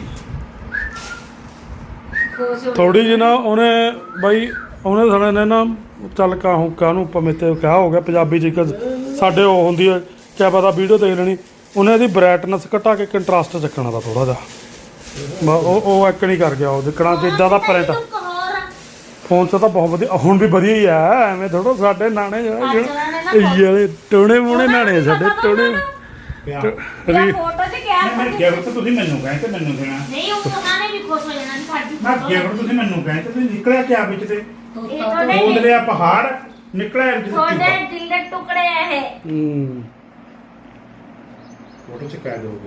Speaker 4: ਖੁਸ਼ ਹੋ
Speaker 1: ਥੋੜੀ ਜਿਹੀ ਨਾ ਉਹਨੇ ਬਾਈ ਉਹਨੇ ਸਾਲੇ ਨੇ ਨਾ ਚੱਲ ਕਾਹੂ ਕਾਹਨੂੰ ਭਾਵੇਂ ਤੇ ਕਿਹਾ ਹੋ ਗਿਆ ਪੰਜਾਬੀ ਚ ਇੱਕ ਸਾਡੇ ਉਹ ਹੁੰਦੀ ਹੈ ਕਿਆ ਪਤਾ ਵੀਡੀਓ ਦੇਖ ਲੈਣੀ ਉਹਨੇ ਇਹਦੀ ਬ੍ਰਾਈਟਨੈਸ ਘਟਾ ਕੇ ਕੰਟਰਾਸਟ ਚੱਕਣਾ ਦਾ ਥੋੜਾ ਜਿਹਾ ਬਸ ਉਹ ਉਹ ਇੱਕ ਨਹੀਂ ਕਰ ਗਿਆ ਉਹ ਦੇਖਣਾ ਜਿੱਦਾਂ ਦਾ ਪ੍ਰਿੰਟ ਫੋਨ 'ਚ ਤਾਂ ਬਹੁਤ ਵਧੀਆ ਹੁਣ ਵੀ ਵਧੀਆ ਹੀ ਆ ਐਵੇਂ ਥੋੜਾ ਸਾਡੇ ਨਾਣੇ ਜਿਹੜੇ ਵਾਲੇ ਟੋਣੇ ਮੋਣੇ ਨਾਣੇ ਆ ਸਾਡੇ ਟੋਣੇ
Speaker 2: ਪਿਆ
Speaker 1: ਰੀ
Speaker 4: ਫੋਟੋ ਤੇ ਕਿਆ
Speaker 2: ਮੈਂ ਗਿਫਟ ਤੁਸੀਂ ਮੈਨੂੰ ਕਹਿੰਦੇ ਮੈਨੂੰ ਦੇਣਾ
Speaker 4: ਨਹੀਂ ਉਹ ਉਹਨਾਂ ਨੇ ਵੀ ਖੁਸ਼ ਹੋ ਜਾਣਾ ਵੀ ਸਾਡੀ
Speaker 2: ਮੈਂ
Speaker 4: photo
Speaker 2: ਗਿਫਟ ਤੁਸੀਂ ਮੈਨੂੰ ਕਹਿੰਦੇ ਤੁਸੀਂ ਨਿਕਲਿਆ ਕਿਆ ਵਿੱਚ ਤੇ
Speaker 4: ਇਹ ਤੁਹਾਡੇ
Speaker 2: ਖੋਦ ਲਿਆ ਪਹਾੜ ਨਿਕਲਿਆ ਵਿੱਚ
Speaker 4: ਤੁਹਾਡੇ
Speaker 2: ਤੇ
Speaker 4: ਦਿਲ ਦੇ ਟੁਕੜੇ ਆ ਇਹ।
Speaker 1: ਹੂੰ
Speaker 2: ਫੋਟੋ ਚ ਕੈਦ ਹੋ ਗਈ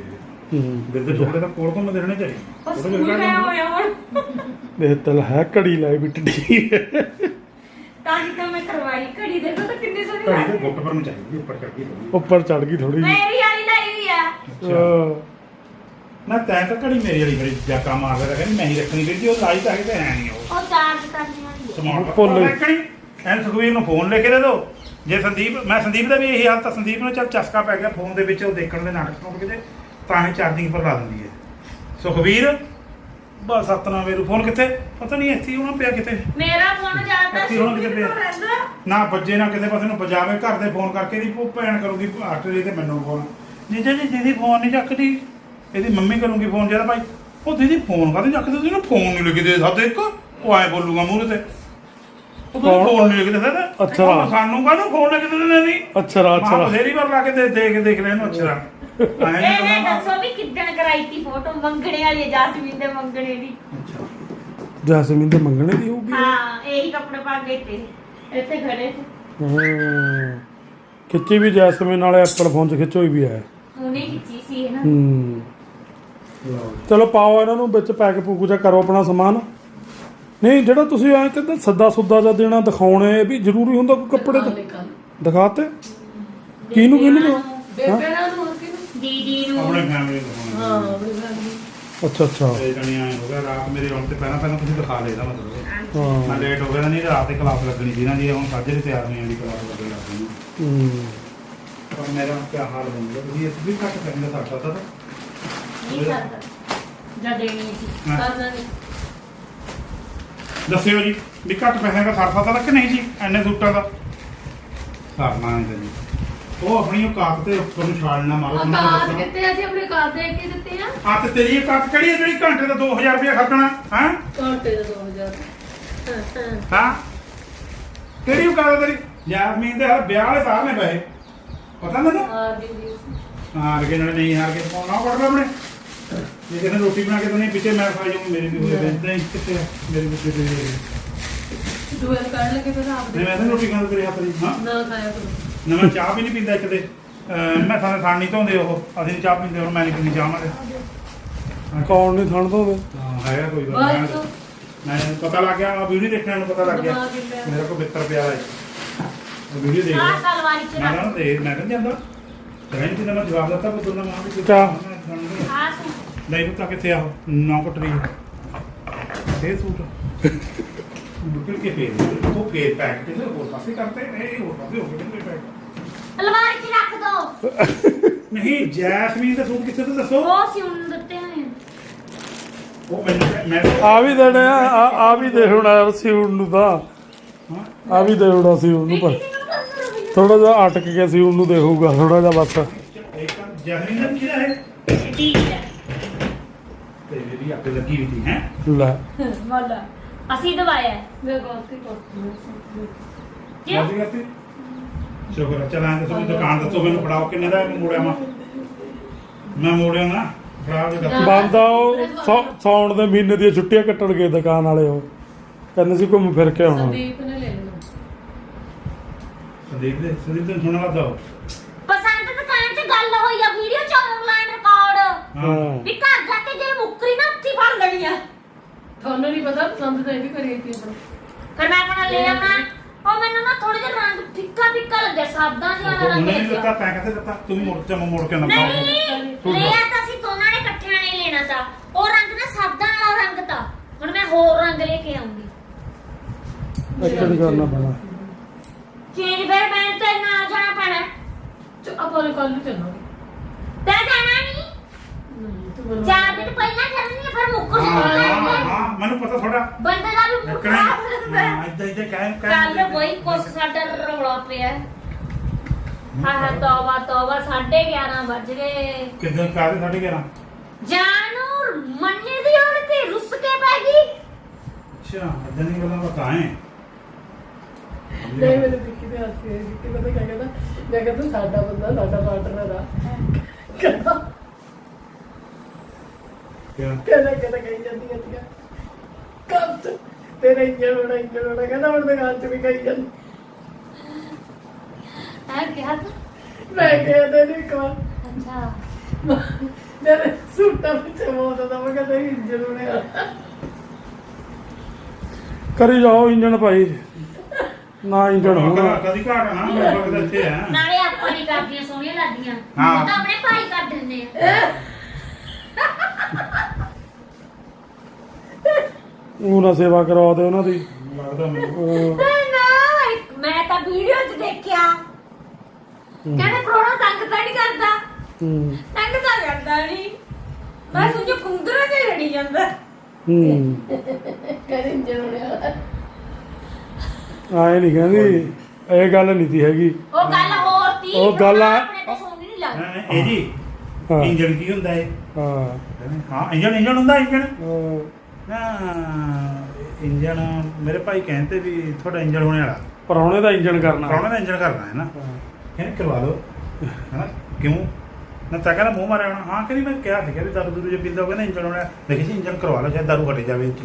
Speaker 1: ਹੂੰ
Speaker 2: ਦਿਲ ਦੇ ਟੁਕੜੇ ਤਾਂ ਕੋਲ ਘੁੰਮਦੇ ਰਹਿਣੇ ਚਾਹੀਦੇ
Speaker 4: ਬਸ
Speaker 2: ਉਹਦੇ
Speaker 4: ਸਕੂਲ
Speaker 2: ਵਿੱਚ
Speaker 4: ਮੈਂ
Speaker 2: ਕਿਹੜਾ
Speaker 4: ਹੋਇਆ ਹੁਣ
Speaker 1: ਇਹ ਤਲ ਹੈ ਘੜੀ ਲਾਈ ਵੀ ਟੱਡੀ
Speaker 4: ਤਾਂ ਕਿ ਤਾਂ ਮੈਂ ਕਰਵਾਈ ਘੜੀ ਦੇਖੋ ਤਾਂ ਕਿੰਨੀ ਸੋਹਣੀ
Speaker 2: ਘੜੀ
Speaker 4: ਲੱਗ
Speaker 2: ਦੇ
Speaker 4: ਰਹੀ
Speaker 2: ਗੁੱਟ ਪਰ ਨੂੰ ਚਾਹੀਦੀ ਉੱਪਰ ਚੜ ਗਈ ਥੋੜੀ
Speaker 1: ਉੱਪਰ ਚੜ ਗਈ ਥੋੜੀ ਜਿਹੀ
Speaker 4: ਮੇਰੀ ਵਾਲੀ ਲਾਈ ਹੋਈ ਆ
Speaker 2: ਅੱਛਾ ਨਾ ਤੈਂ ਤਾਂ ਘੜੀ ਮੇਰੀ ਵਾਲੀ ਬੜੀ ਜਾਕਾ ਮਾਰਦਾ ਤਾਂ ਕਹਿੰਦੀ ਮੈਂ ਹੀ ਰੱਖਣੀ ਕਿਉਂਕਿ ਉਹ ਲਾਈ ਤਾਂ ਹੈ ਤੇ ਹੈ ਨਹੀਂ ਉਹ
Speaker 4: ਉਹ ਚਾਰਜ ਕਰਨੀ ਵਾਲੀ ਆ।
Speaker 2: ਸਮਾਰਟ
Speaker 1: ਭੁੱਲ ਗਈ।
Speaker 2: ਰੱਖਣੀ ਐਨ ਸੁਖਵੀਰ ਨੂੰ ਫੋਨ ਲੈ ਕੇ ਦੇ ਦਿਓ ਜੇ ਸੰਦੀਪ ਮੈਂ ਸੰਦੀਪ ਦਾ ਵੀ ਇਹੀ ਹਾਲ ਤਾਂ ਸੰਦੀਪ ਨੂੰ ਚੱਲ ਚਸਕਾ ਪੈ ਗਿਆ ਫੋਨ ਦੇ ਵਿੱਚ ਉਹ ਦੇਖਣ ਦੇ ਨਾਟਕ ਸੁਣ ਕੇ ਤੇ ਤਾਂ ਹੀ ਚਾਰਜਿੰਗ ਪਰ ਲਾ ਦਿੰਦੀ ਹੈ ਸੁਖਵੀਰ ਬਸ ਸਤਨਾ ਮੇਰੂ ਫੋਨ ਕਿੱਥੇ ਪਤਾ ਨਹੀਂ ਇੱਥੇ ਹੀ ਹੋਣਾ ਪਿਆ ਕਿਤੇ
Speaker 4: ਮੇਰਾ ਫੋਨ ਜ਼ਿਆਦਾ
Speaker 2: ਇੱਥੇ ਹੁਣ ਕਿਤੇ ਪਿਆ।
Speaker 4: ਰਹਿੰਦਾ
Speaker 2: ਨਾ ਵੱਜੇ ਨਾ ਕਿਸੇ ਪਾਸੇ ਨੂੰ ਵਜਾਵੇ ਘਰ ਦੇ ਫੋਨ ਕਰਕੇ ਦੀ ਭੈਣ ਕਰੂਗੀ ਆਟਰੀ ਤੇ ਮੈਨੂੰ ਫੋਨ ਜੀਜਾ ਜੀ ਦੀਦੀ ਫੋਨ ਨਹੀਂ ਚੱਕਦੀ ਇਹਦੀ ਮੰਮੀ ਕਰੂਗੀ ਫੋਨ ਜਿਹੜਾ ਭਾਈ ਉਹ ਦੀਦੀ ਫੋਨ ਕਾਹਦੇ ਚੱਕਦੇ ਤੁਸੀਂ ਨਾ ਫੋਨ ਨਹੀਂ ਲਿਖ ਦੇ ਸਕਦੇ ਇੱਕ ਉਹ ਐ ਬੋਲੂਗਾ ਮੂਹਰੇ ਤੇ ਉਹ ਤੁਸੀਂ ਫੋਨ ਨਹੀਂ ਲਿਖ ਦੇ ਸਕਦਾ
Speaker 1: ਅੱਛਾ।
Speaker 2: ਸਾਨੂੰ ਕਾਹਨੂੰ ਫੋਨ ਲਿਖ ਦਿੰਦੇ ਨੇ ਨਹੀਂ
Speaker 1: ਅੱਛਾ
Speaker 2: ਮਾਂ
Speaker 1: ਅੱਛਾ
Speaker 2: ਬਥੇਰੀ ਵਾਰ ਲਾ ਕੇ ਦੇ ਦੇਖ ਦੇਖ ਲੈ ਇਹਨੂੰ ਅੱਛਾ
Speaker 4: ਇਹ ਨੇ ਦੱਸੋ ਵੀ ਕਿੱਦਣ ਕਰਾਈ ਤੀ ਫੋਟੋ ਮੰਗਣੇ ਵਾਲੀ ਹੈ ਜਾਸਮੀਨ ਦੇ ਮੰਗਣੇ ਦੀ
Speaker 2: ਅੱਛਾ
Speaker 1: ਜੈਸਮੀਨ ਦੇ ਮੰਗਣੇ ਦੀ ਹੋਊਗੀ
Speaker 4: ਹਾਂ ਇਹੀ ਕੱਪੜੇ ਪਾ ਕੇ ਤੇ ਇੱਥੇ ਖੜੇ ਸੀ
Speaker 1: ਹਾਂ ਖਿੱਚੀ ਵੀ ਜੈਸਮੀਨ ਵਾਲੇ ਐਪਲ ਫੋਨ 'ਚ ਖਿੱਚੋਈ ਵੀ ਹੈ
Speaker 4: ਉਹਨੇ ਖਿੱਚੀ ਸੀ ਇਹ ਨਾ
Speaker 1: ਹੂੰ ਚਲੋ ਪਾਓ ਇਹਨਾਂ ਨੂੰ ਵਿੱਚ ਪੈਕ ਪੂਕ ਜਾ ਕਰੋ ਆਪਣਾ ਸਮਾਨ ਨਹੀਂ ਜਿਹੜਾ ਤੁਸੀਂ ਐਂ ਕਹਿੰਦੇ ਸੱਦਾ ਸੁੱਦਾ ਜਾਂ ਦੇਣਾ ਦਿਖਾਉਣੇ ਇਹ ਵੀ ਜ਼ਰੂਰੀ ਹੁੰਦਾ ਕੋਈ ਕੱਪੜੇ ਤੇ ਦਿਖਾਤੇ ਕਿਹਨੂੰ ਕਿਹਨੂੰ ਦਿਖਾ-
Speaker 3: ਬੇਬੇ ਨਾਲ ਨੂੰ ਹੋਰ ਕਿਹਨੂੰ
Speaker 4: ਦੀਦੀ
Speaker 2: ਆਪਣੇ
Speaker 4: ਨੂੰ
Speaker 2: ਫੈਮਿਲੀ ਨੂੰ
Speaker 3: ਹਾਂ ਆਪਣੀ family।
Speaker 1: ਅੱਛਾ ਅੱਛਾ
Speaker 2: ਤੇ ਜਣੀ ਆਏ ਹੋ ਗਿਆ ਰਾਤ ਮੇਰੇ ਆਉਣ ਤੇ ਪਹਿਲਾਂ ਪਹਿਲਾਂ ਤੁਸੀਂ ਦਿਖਾ ਲੈ ਇਹਦਾ ਮਤਲਬ
Speaker 1: ਹਾਂ
Speaker 2: ਮੈਂ ਲੇਟ ਹੋ ਗਿਆ ਤਾਂ ਨਹੀਂ ਰਾਤ ਦੀ ਕਲਾਸ ਲੱਗਣੀ ਸੀ ਨਾ ਜੀ ਹੁਣ ਸਾਜੇ ਦੇ ਤਿਆਰ ਨਹੀਂ ਆਂਦੀ ਕਲਾਸ ਲੱਗਣ ਲੱਗ ਗਈ
Speaker 1: ਹੂੰ
Speaker 2: ਪਰ ਮੇਰਾ ਕੀ ਹਾਲ ਬਣ ਗਿਆ ਤੁਸੀਂ ਇਸ ਵੀ ਘੱਟ ਕਰਦੇ ਸਾਡਾ ਤਾਂ
Speaker 4: ਨਹੀਂ ਕਰਦਾ ਜਦ ਦੇਣੀ ਸੀ
Speaker 2: ਹਾਂ।
Speaker 3: ਕਰਨਾ ਨਹੀਂ
Speaker 2: ਦੱਸਿਓ ਜੀ ਵੀ ਘੱਟ ਪੈਸਿਆਂ ਦਾ ਸਰਫਾ ਤਾਂ ਕਿ ਨਹੀਂ ਜੀ ਐਨੇ ਸੂਟਾਂ ਦਾ ਸਰਨਾ ਨਹੀਂ ਜੀ ਉਹ ਆਪਣੀ ਔਕਾਤ ਤੇ ਉੱਪਰ ਨੂੰ ਛਾਲ ਨਾ ਮਾਰੋ ਉਹਨਾਂ ਨੂੰ
Speaker 3: ਆਕਾਸ਼
Speaker 2: ਦੱਸਣਾ
Speaker 3: ਕਿੱਥੇ ਅਸੀਂ ਆਪਣੇ ਕਾਰ ਦੇ ਕੇ ਦਿੱਤੇ ਆ
Speaker 2: ਆ ਤੇ ਤੇਰੀ ਔਕਾਤ ਕਿਹੜੀ ਹੈ ਜਿਹੜੀ ਘੰਟੇ ਦਾ ਦੋ ਹਜ਼ਾਰ ਰੁਪਏ ਖਰਚਣਾ ਹੈ
Speaker 3: ਘੰਟੇ ਦਾ ਦੋ ਹਜ਼ਾਰ
Speaker 2: ਹਾਂ ਕਿਹੜੀ ਔਕਾਤ ਹੈ ਤੇਰੀ ਯਾਸਮੀਨ ਦੇ ਹਰ ਵਿਆਹ ਵਾਲੇ ਸਾਰ ਨੇ ਪੈਸੇ ਪਤਾ ਮੈਨੂੰ
Speaker 3: ਆ ਦੀ ਜੀ
Speaker 2: ਹਾਰ ਕੇ ਨਾਲੇ ਨਹੀਂ ਹਾਰ ਕੇ ਪਾਉਣਾ ਪੜ ਲੈ ਆਪਣੇ ਜੇ ਕਿਸੇ ਨੇ ਰੋਟੀ ਬਣਾ ਕੇ ਦੇਣੀ ਪਿੱਛੇ ਮੈਂ ਖਾਈ ਜਾਊਂ ਮੇਰੀ ਵੀ ਹੋਏ ਬੈਠਦਾ ਹੀ ਕਿੱਥੇ ਆ ਮੇਰੀ ਵੀ ਕਿਤੇ
Speaker 3: ਦੂਏ ਨੂੰ ਕੱਢ ਲਗੇ ਫਿਰ ਆਪ
Speaker 2: ਨਹੀਂ ਮੈਂ ਤਾਂ ਰੋਟੀ ਖਾਂਦਾ ਤੇਰੇ ਹੱਥ ਦੀ ਹਾਂ
Speaker 3: ਨਾ ਖਾਇਆ ਕਰੋ
Speaker 2: ਨਾ ਮੈਂ ਚਾਹ ਵੀ ਨਹੀਂ ਪੀਂਦਾ ਇੱਕ ਦੇ ਅਹ ਮੈਂ ਥਾਣੇ ਥਾਣ ਨਹੀਂ ਧੋਂਦੇ ਉਹ ਅਸੀਂ ਨੀ ਚਾਹ ਪੀਂਦੇ ਹੁਣ ਮੈਂ ਨਹੀਂ ਪੀਂਦੀ ਚਾਹ ਮਾਰੇ
Speaker 1: ਕੌਣ ਨਹੀਂ ਥਣ ਦੋਗੇ
Speaker 2: ਹਾਂ ਹੈਗਾ ਕੋਈ ਗੱਲ
Speaker 3: ਬਸ
Speaker 2: ਮੈਂ ਪਤਾ ਲੱਗ ਗਿਆ ਆ ਵੀਡੀਓ ਦੇਖਣ ਨੂੰ ਪਤਾ ਲੱਗ ਗਿਆ
Speaker 3: ਦਿਮਾਗ ਹੀ ਪਿਆ।
Speaker 2: ਮੇਰਾ ਕੋ ਬਿੱਤਰ ਪਿਆ ਹੈ ਵੀਡੀਓ ਦੇਖ
Speaker 4: ਆਹ
Speaker 2: ਲਿਆ।
Speaker 4: ਸਲਵਾਰੀ ਚ
Speaker 2: ਮੈਂ
Speaker 4: ਰੱਖ
Speaker 2: ਨਾ ਦੇਖ ਮੈਂ ਕਹਿੰਦਾ ਜਾਂਦਾ ਕਹਿੰਦੇ ਕਿ ਮੈਂ ਜਵਾਬ ਦਿੱਤਾ ਪਰ ਦੋਨਾਂ ਮਾਂ ਵੀ
Speaker 1: ਕਿਆ?
Speaker 4: ਆਹ ਸੂਟ
Speaker 2: ਨਹੀਂ ਪਤਾ ਕਿੱਥੇ ਆ ਨੌ ਕਟਰੀ ਇਹ ਸੂਟ ਮੁਕਰ ਕੇ ਫੇਰ ਉਹ ਫੇਰ ਪੈਕ ਤੇ ਹੋਰ ਪਾਸੇ ਕਰਤੇ ਇਹ ਹੋਰ ਪਾਸੇ ਹੋ ਗਏ ਪੈਕ
Speaker 4: ਅਲਮਾਰੀ ਚ ਰੱਖ ਦੋ
Speaker 2: ਨਹੀਂ ਜੈਸਮੀਨ ਦਾ ਸੂਟ ਕਿੱਥੇ ਤੇ ਦੱਸੋ
Speaker 4: ਉਹ ਸਿਉਣ ਦਿੱਤੇ ਹੋਏ ਆ।
Speaker 2: ਉਹ ਮੈਨੂੰ ਮੈਂ
Speaker 1: ਆ ਵੀ ਦੇਣੇ ਆ ਆ- ਆ ਵੀ ਦੇ ਹੋਣਾ ਸਿਉਣ ਨੂੰ ਤਾਂ
Speaker 2: ਹਾਂ
Speaker 1: ਆ ਵੀ ਦੇ ਹੋਣਾ ਸਿਉਣ ਨੂੰ ਪਰ ਥੋੜਾ ਜਿਹਾ ਅਟਕ ਗਿਆ ਸਿਉਣ ਨੂੰ ਦੇਖੂਗਾ ਥੋੜਾ ਜਿਹਾ ਬਸ
Speaker 2: ਇੱਕ ਜੈਸਮੀਨ ਦਾ ਕਿਹੜਾ ਹੈ
Speaker 4: ਠੀਕ ਹੈ
Speaker 2: ਤੇ ਵੀ ਅੱਗ ਲੱਗੀ ਵੀ ਸੀ ਹੈ
Speaker 1: ਲੈ
Speaker 4: ਵਾਲਾ ਅਸੀਂ ਦਵਾਇਆ ਹੈ।
Speaker 3: ਮੈਂ ਗਲਤੀ ਕਰਤੀ
Speaker 4: ਕਿਉਂ
Speaker 2: ਕਿਉਂ ਕਰਤੀ ਸ਼ੁਕਰ ਹੈ ਚਲਾਂ ਤੇ ਤੁਸੀਂ ਦੁਕਾਨ ਦੱਸੋ ਮੈਨੂੰ ਫੜਾਓ ਕਿੰਨੇ ਦਾ ਮੈਂ ਮੋੜਿਆ ਮੈਂ ਮੈਂ ਮੋੜਿਆ ਨਾ ਫੜਾਓ ਜੀ ਦੱਸੋ
Speaker 1: ਬੰਦਾ ਉਹ ਸੌ- ਸਾਉਣ ਦੇ ਮਹੀਨੇ ਦੀਆਂ ਛੁੱਟੀਆਂ ਕੱਟਣ ਗਏ ਦੁਕਾਨ ਵਾਲੇ ਉਹ ਕਹਿੰਦੇ ਸੀ ਘੁੰਮ ਫਿਰ ਕੇ ਆਉਣਾ
Speaker 3: ਸੰਦੀਪ ਨੇ ਲੈ ਲੈਣਾ
Speaker 2: ਸੰਦੀਪ ਦੇ ਸੰਦੀਪ ਦੇ ਸੁਣਨ ਲੱਗਾ ਉਹ।
Speaker 4: ਪਸੰਦ ਦੁਕਾਨ ਚ ਗੱਲ ਹੋਈ ਆ ਵੀਡੀਓ ਚ ਆਨਲਾਈਨ ਰਿਕਾਰਡ
Speaker 1: ਹਾਂ
Speaker 4: ਵੀ ਘਰ ਜਾ ਕੇ ਜੇ ਮੁੱਕਰੀ ਨਾ ਉੱਥੇ ਹੀ ਫੜ ਲੈਣੀ ਆ
Speaker 3: ਤੁਹਾਨੂੰ ਨਹੀਂ ਪਤਾ ਪਸੰਦ ਤਾਂ ਇਹ ਵੀ ਕਰੀ ਸੀ ਆਪਣਾ
Speaker 4: ਫਿਰ ਮੈਂ ਕਹਣਾ ਲੈ ਆਉਣਾ ਉਹ ਮੈਨੂੰ ਨਾ ਥੋੜੇ ਜਿਹਾ ਰੰਗ ਫਿੱਕਾ ਫਿੱਕਾ ਲੱਗਿਆ ਸਾਦਾ ਜਿਹਾ ਵਾਲਾ ਰੰਗ
Speaker 2: ਉਹਨੇ ਨਹੀਂ
Speaker 4: ਲੱਗਿਆ
Speaker 2: ਦਿੱਤਾ ਤੈਂ ਕਹਿੰਦੇ ਦਿੱਤਾ ਤੂੰ ਮੋੜ ਤੇ ਮੈਂ ਮੋੜ ਕੇ ਨਾ
Speaker 4: ਨਹੀਂ ਲਿਆ ਤਾਂ ਅਸੀਂ ਦੋਨਾਂ ਨੇ ਇਕੱਠਿਆਂ ਨੇ ਲੈਣਾ ਤਾਂ ਉਹ ਰੰਗ ਨਾ ਸਾਦਾ ਵਾਲਾ ਰੰਗ ਤਾਂ ਹੁਣ ਮੈਂ ਹੋਰ ਰੰਗ ਲੈ ਕੇ ਆਉਂਗੀ
Speaker 1: ਇੱਕ ਨਹੀਂ ਕਰਨਾ ਪੈਣਾ
Speaker 4: ਚੇਂਜ ਫਿਰ ਮੈਂ ਤੇ ਨਾਲ ਜਾਣਾ ਪੈਣਾ
Speaker 3: ਚੋ ਆਪਾਂ ਨੂੰ ਕੱਲ ਨੂੰ ਚੱਲਾਂਗੇ
Speaker 4: ਤੇ ਜਾਣਾ ਨਹੀਂ
Speaker 3: ਨਹੀਂ ਤੂੰ ਮੈਨੂੰ
Speaker 4: ਚਾਰ ਦਿਨ ਪਹਿਲਾਂ ਕਰਨੀ ਆ ਫਿਰ ਮੁੱਕਰ
Speaker 2: ਹਾਂ ਹਾਂ
Speaker 4: ਜਾਣਾ
Speaker 2: ਹਾਂ ਮੈਨੂੰ ਪਤਾ ਥੋੜਾ
Speaker 4: ਬੰਦੇ ਦਾ ਵੀ ਮੁੱਕਰ
Speaker 2: ਨਿਕਲਣਾ
Speaker 4: ਆ ਸਕਦਾ
Speaker 2: ਹਾਂ ਇਦਾਂ ਇਦਾਂ ਕਹਿ
Speaker 4: ਕੱਲ ਕੋਈ ਕੁਛ ਸਾਡਾ ਰੌਲਾ ਪਿਆ ਹਾਂ ਹਾਂ ਤੌਬਾ ਤੌਬਾ ਸਾਢੇ ਗਿਆਰਾਂ ਵੱਜ ਗਏ
Speaker 2: ਕਿਦਾਂ ਕਾਹਦੇ ਸਾਡੇ ਘਰਾਂ
Speaker 4: ਜਾਨੂ ਮੰਨੇ ਦੀ ਹੁਣ ਤੇ ਰੁੱਸ ਕੇ ਪੈ ਗਈ
Speaker 2: ਅੱਛਾ ਇਦਾਂ ਦੀ ਗੱਲਾਂ ਪਤਾ ਹੈ
Speaker 3: ਨਹੀਂ ਮੈਨੂੰ ਦਿੱਕੀ ਤੇ ਹਾਸੀ ਆਈ ਦਿੱਕੀ ਪਤਾ ਕਿਆ ਕਹਿੰਦਾ ਮੈਂ ਕਹਿੰਦਾ ਸਾਡਾ ਬੰਦਾ ਸਾਡਾ ਪਾਰਟਨਰ ਆ ਕਹਿੰਦਾ
Speaker 2: ਕਿਆ
Speaker 3: ਕਹਿੰਦਾ ਕਹਿੰਦਾ ਕਹੀ ਜਾਂਦੀ ਹੈ ਤੀਆ ਕੰਮ ਤੇ ਤੇਰਾ ਇੰਜਣ ਹੋਣਾ ਇੰਜਣ ਹੋਣਾ ਕਹਿੰਦਾ ਹੁਣ ਦੁਕਾਨ ਚ ਵੀ ਕਹੀ ਜਾਂਦੀ
Speaker 4: ਹੈ ਕਿਹਾ ਤੂੰ
Speaker 3: ਮੈਂ ਕਿਹਾ ਤੇ ਨਹੀਂ ਕਹਾਂ
Speaker 4: ਅੱਛਾ
Speaker 3: ਮੇਰੇ ਸੂਟਾਂ ਵਿੱਚ ਮੋੜਦਾ ਮੈਂ ਕਹਿੰਦਾ ਇੰਜਣ ਹੋਣੇ ਆ
Speaker 1: ਕਰੀ ਜਾਓ ਇੰਜਣ ਭਾਈ ਨਾ ਇੰਜਣ ਹੋਣਾ
Speaker 2: ਕਦੀ ਘਾਟ ਨਾ ਮੇਰੇ ਕੋਲ ਤਾਂ ਇੱਥੇ ਆ
Speaker 4: ਨਾਲੇ ਆਪਾਂ ਨਹੀਂ ਕਰਦੀਆਂ ਸੋਹਣੀਆਂ ਲੱਗਦੀਆਂ
Speaker 2: ਹਾਂ।
Speaker 4: ਉਹ ਤਾਂ ਆਪਣੇ ਭਾਈ ਕਰ ਦਿੰਦੇ ਆ
Speaker 1: ਉਹ ਨਾ ਸੇਵਾ ਕਰਵਾ ਦੇ ਉਹਨਾਂ ਦੀ
Speaker 2: ਲੱਗਦਾ ਮੈਨੂੰ
Speaker 1: ਅਹ
Speaker 4: ਨਾ ਇੱਕ- ਮੈਂ ਤਾਂ ਵੀਡੀਓ 'ਚ ਦੇਖਿਆ ਕਹਿੰਦੇ ਪ੍ਰੋਣਾ ਤੰਗ ਤਾਂ ਨਹੀਂ ਕਰਦਾ
Speaker 1: ਹੂੰ
Speaker 4: ਤੰਗ ਤਾਂ ਕਰਦਾ ਨਹੀਂ ਮੈਂ ਸੋਚਿਆ ਕੁੰਦਰਾ ਤੇ ਲੜੀ ਜਾਂਦਾ
Speaker 1: ਹੂੰ
Speaker 3: ਕਹਿੰਦੇ ਇੰਜਣ ਹੋਣੇ ਆ
Speaker 1: ਆਏ ਨਹੀਂ ਕਹਿੰਦੀ ਇਹ ਗੱਲ ਨਹੀਂ ਤੀ ਹੈਗੀ
Speaker 4: ਉਹ ਗੱਲ ਹੋਰ ਤੀ
Speaker 1: ਉਹ ਗੱਲ ਆ-
Speaker 4: ਆਪਣੇ ਤੇ ਸੋਹਣੀ ਨਹੀਂ ਲੱਗਦੀ
Speaker 2: ਇਹ ਜੀ
Speaker 1: ਹਾਂ
Speaker 2: ਇੰਜਣ ਕੀ ਹੁੰਦਾ ਹੈ
Speaker 1: ਹਾਂ
Speaker 2: ਹਾਂ ਇੰਜਣ ਇੰਜਣ ਹੁੰਦਾ ਇੰਜਣ
Speaker 1: ਅਹ
Speaker 2: ਨਾ ਇੰਜਣ ਮੇਰੇ ਭਾਈ ਕਹਿੰਦੇ ਵੀ ਤੁਹਾਡਾ ਇੰਜਣ ਹੋਣੇ ਵਾਲਾ
Speaker 1: ਪ੍ਰਾਹੁਣੇ ਦਾ ਇੰਜਣ ਕਰਨਾ
Speaker 2: ਪ੍ਰਾਹੁਣੇ ਦਾ ਇੰਜਣ ਕਰਨਾ ਹੈ ਨਾ
Speaker 1: ਹਾਂ।
Speaker 2: ਕਹਿੰਦੇ ਕਰਵਾ ਲਓ ਹੈਨਾ ਕਿਉਂ ਨਾ ਤਾਂ ਕਹਿੰਦਾ ਮੂੰਹ ਮਾਰਿਆ ਹੋਣਾ ਹਾਂ ਕਹਿੰਦੀ ਮੈਂ ਕਿਹਾ ਸੀਗਾ ਵੀ ਦਾਰੂ ਦੂਰੂ ਜੇ ਪੀਂਦਾ ਹੋਵੇ ਨਾ ਇੰਜਣ ਹੋਣਾ ਦੇਖੀ ਸੀ ਇੰਜਣ ਕਰਵਾ ਲਓ ਸ਼ਾਇਦ ਦਾਰੂ ਘਟ ਜਾਵੇ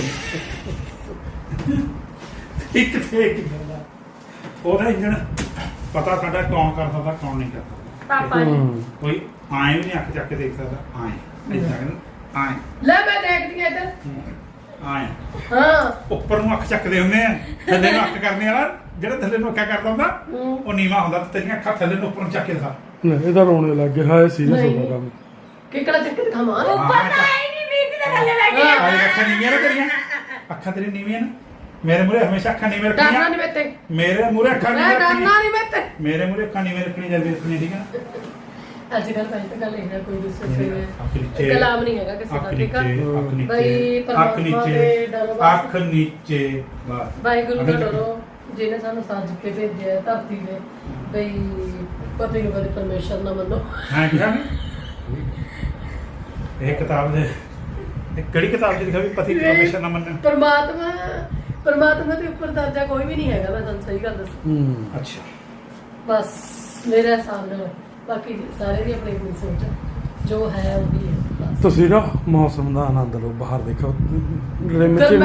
Speaker 2: ਇੱਕ ਤੇ ਇੱਕ ਬੰਦਾ ਉਹਦਾ ਇੰਜਣ ਪਤਾ ਸਾਡਾ ਕੌਣ ਕਰ ਸਕਦਾ ਕੌਣ ਨਹੀਂ ਕਰ ਸਕਦਾ
Speaker 4: ਪਾਪਾ ਨੇ
Speaker 1: ਹੂੰ
Speaker 2: ਕੋਈ ਆਏ ਵੀ ਨਹੀਂ ਅੱਖ ਚੱਕ ਕੇ ਦੇਖ ਸਕਦਾ ਆਏ ਇਦਾਂ ਕਹਿੰਦਾ ਆਏ
Speaker 3: ਲੈ ਮੈਂ ਦੇਖਦੀ ਆ ਇੱਧਰ
Speaker 2: ਆਏ
Speaker 3: ਹਾਂ
Speaker 2: ਉੱਪਰ ਨੂੰ ਅੱਖ ਚੱਕਦੇ ਹੁੰਦੇ ਆ ਥੱਲੇ ਨੂੰ ਅੱਖ ਕਰਨੇ ਵਾਲਾ ਜਿਹੜਾ ਥੱਲੇ ਨੂੰ ਅੱਖਾਂ ਕਰਦਾ ਹੁੰਦਾ
Speaker 3: ਹੂੰ।
Speaker 2: ਉਹ ਨੀਵਾ ਹੁੰਦਾ ਤੇ ਤੇਰੀਆਂ ਅੱਖਾਂ ਥੱਲੇ ਨੂੰ ਉੱਪਰ ਨੂੰ ਚੱਕ ਕੇ ਦਿਖਾ
Speaker 1: ਲੈ ਇਹਦਾ ਰੋਣੇ ਲੱਗ ਗਿਆ ਹਾਏ ਸੀਰੀਅਸ
Speaker 3: ਨਹੀਂ।
Speaker 1: ਹੋ ਗਿਆ ਕੰਮ
Speaker 3: ਕਿਕੜਾ ਚੱਕ ਕੇ ਦਿਖਾਵਾਂ
Speaker 4: ਉੱਪਰ ਤਾਂ ਆਈ ਨਹੀਂ ਵੀਰ ਦੇ ਥੱਲੇ ਬੈਠੇ ਆ
Speaker 2: ਆਹ ਅੱਖਾਂ ਨੀਵੀਆਂ ਨਾ ਤੇਰੀਆਂ ਅੱਖਾਂ ਤੇਰੀਆਂ ਨੀਵੀਆਂ ਨਾ ਮੇਰੇ ਮੂਹਰੇ ਹਮੇਸ਼ਾ ਅੱਖਾਂ ਨੀਵੀਆਂ
Speaker 3: ਡਰਨਾ
Speaker 2: ਰੱਖਣੀਆਂ
Speaker 3: ਨਹੀਂ ਮੇਤੇ
Speaker 2: ਮੇਰੇ ਮੂਹਰੇ ਅੱਖਾਂ
Speaker 3: ਮੈਂ
Speaker 2: ਨੀਵੀਆਂ
Speaker 3: ਡਰਨਾ
Speaker 2: ਰੱਖਣੀਆਂ
Speaker 3: ਨਹੀਂ ਮੇਤੇ
Speaker 2: ਮੇਰੇ ਮੂਹਰੇ ਅੱਖਾਂ ਨੀਵੀਆਂ ਰੱਖਣੀਆਂ ਜਲਦੀ ਰੱਖਣੀਆਂ ਠੀਕ ਹੈ ਨਾ
Speaker 3: ਅੱਜ ਕੱਲ ਪਹਿਲਾਂ ਤਾਂ ਗੱਲ ਇਹ ਨਾ ਕੋਈ ਵੀ ਸੋਚੇ
Speaker 2: ਅੱਖ ਨੀਚੇ
Speaker 3: ਕਲਾਮ ਨਹੀਂ ਹੈਗਾ ਕਿਸੇ
Speaker 2: ਅੱਖ
Speaker 3: ਦਾ ਠੀਕ ਆ
Speaker 2: ਨੀਚੇ ਅੱਖ ਨੀਚੇ
Speaker 3: ਬਈ
Speaker 2: ਅੱਖ
Speaker 3: ਪਰਮਾਤਮਾ ਦੇ
Speaker 2: ਨੀਚੇ
Speaker 3: ਡਰੋ ਬਸ।
Speaker 2: ਅੱਖ ਨੀਚੇ ਬਸ
Speaker 3: ਵਾਹਿਗੁਰੂ ਦਾ
Speaker 2: ਅੱਖ ਨੀਚੇ।
Speaker 3: ਡਰੋ ਜਿਹਨੇ ਸਾਨੂੰ ਸਾਜ ਕੇ ਭੇਜਿਆ ਧਰਤੀ ਨੇ ਬਈ ਪਤੀ ਨੂੰ ਕਦੇ ਪਰਮੇਸ਼ਰ ਨਾ ਮੰਨੋ
Speaker 2: ਹਾਂ ਕਿਹਾ ਇਹ ਕਿਤਾਬ ਦੇ ਇਹ ਕਿਹੜੀ ਕਿਤਾਬ 'ਚ ਲਿਖਿਆ ਵੀ ਪਤੀ ਪਰਮੇਸ਼ਰ ਨਾ ਮੰਨਣ
Speaker 3: ਪਰਮਾਤਮਾ ਪਰਮਾਤਮਾ ਦੇ ਉੱਪਰ ਦਰਜਾ ਕੋਈ ਵੀ ਨਹੀਂ ਹੈਗਾ ਮੈਂ ਤੁਹਾਨੂੰ ਸਹੀ ਗੱਲ ਦੱਸਾਂ
Speaker 1: ਹੂੰ
Speaker 2: ਅੱਛਾ
Speaker 3: ਬਸ ਮੇਰੇ ਹਿਸਾਬ ਨਾਲ ਬਾਕੀ ਸਾਰੇ ਦੀ ਆਪਣੀ ਆਪਣੀ ਸੋਚ ਹੈ ਜੋ ਹੈ ਉਹ ਵੀ ਹੈ ਬਸ
Speaker 1: ਤੁਸੀਂ ਨਾ ਮੌਸਮ ਦਾ ਆਨੰਦ ਲਓ ਬਾਹਰ ਦੇਖੋ ਰਿਮ ਚ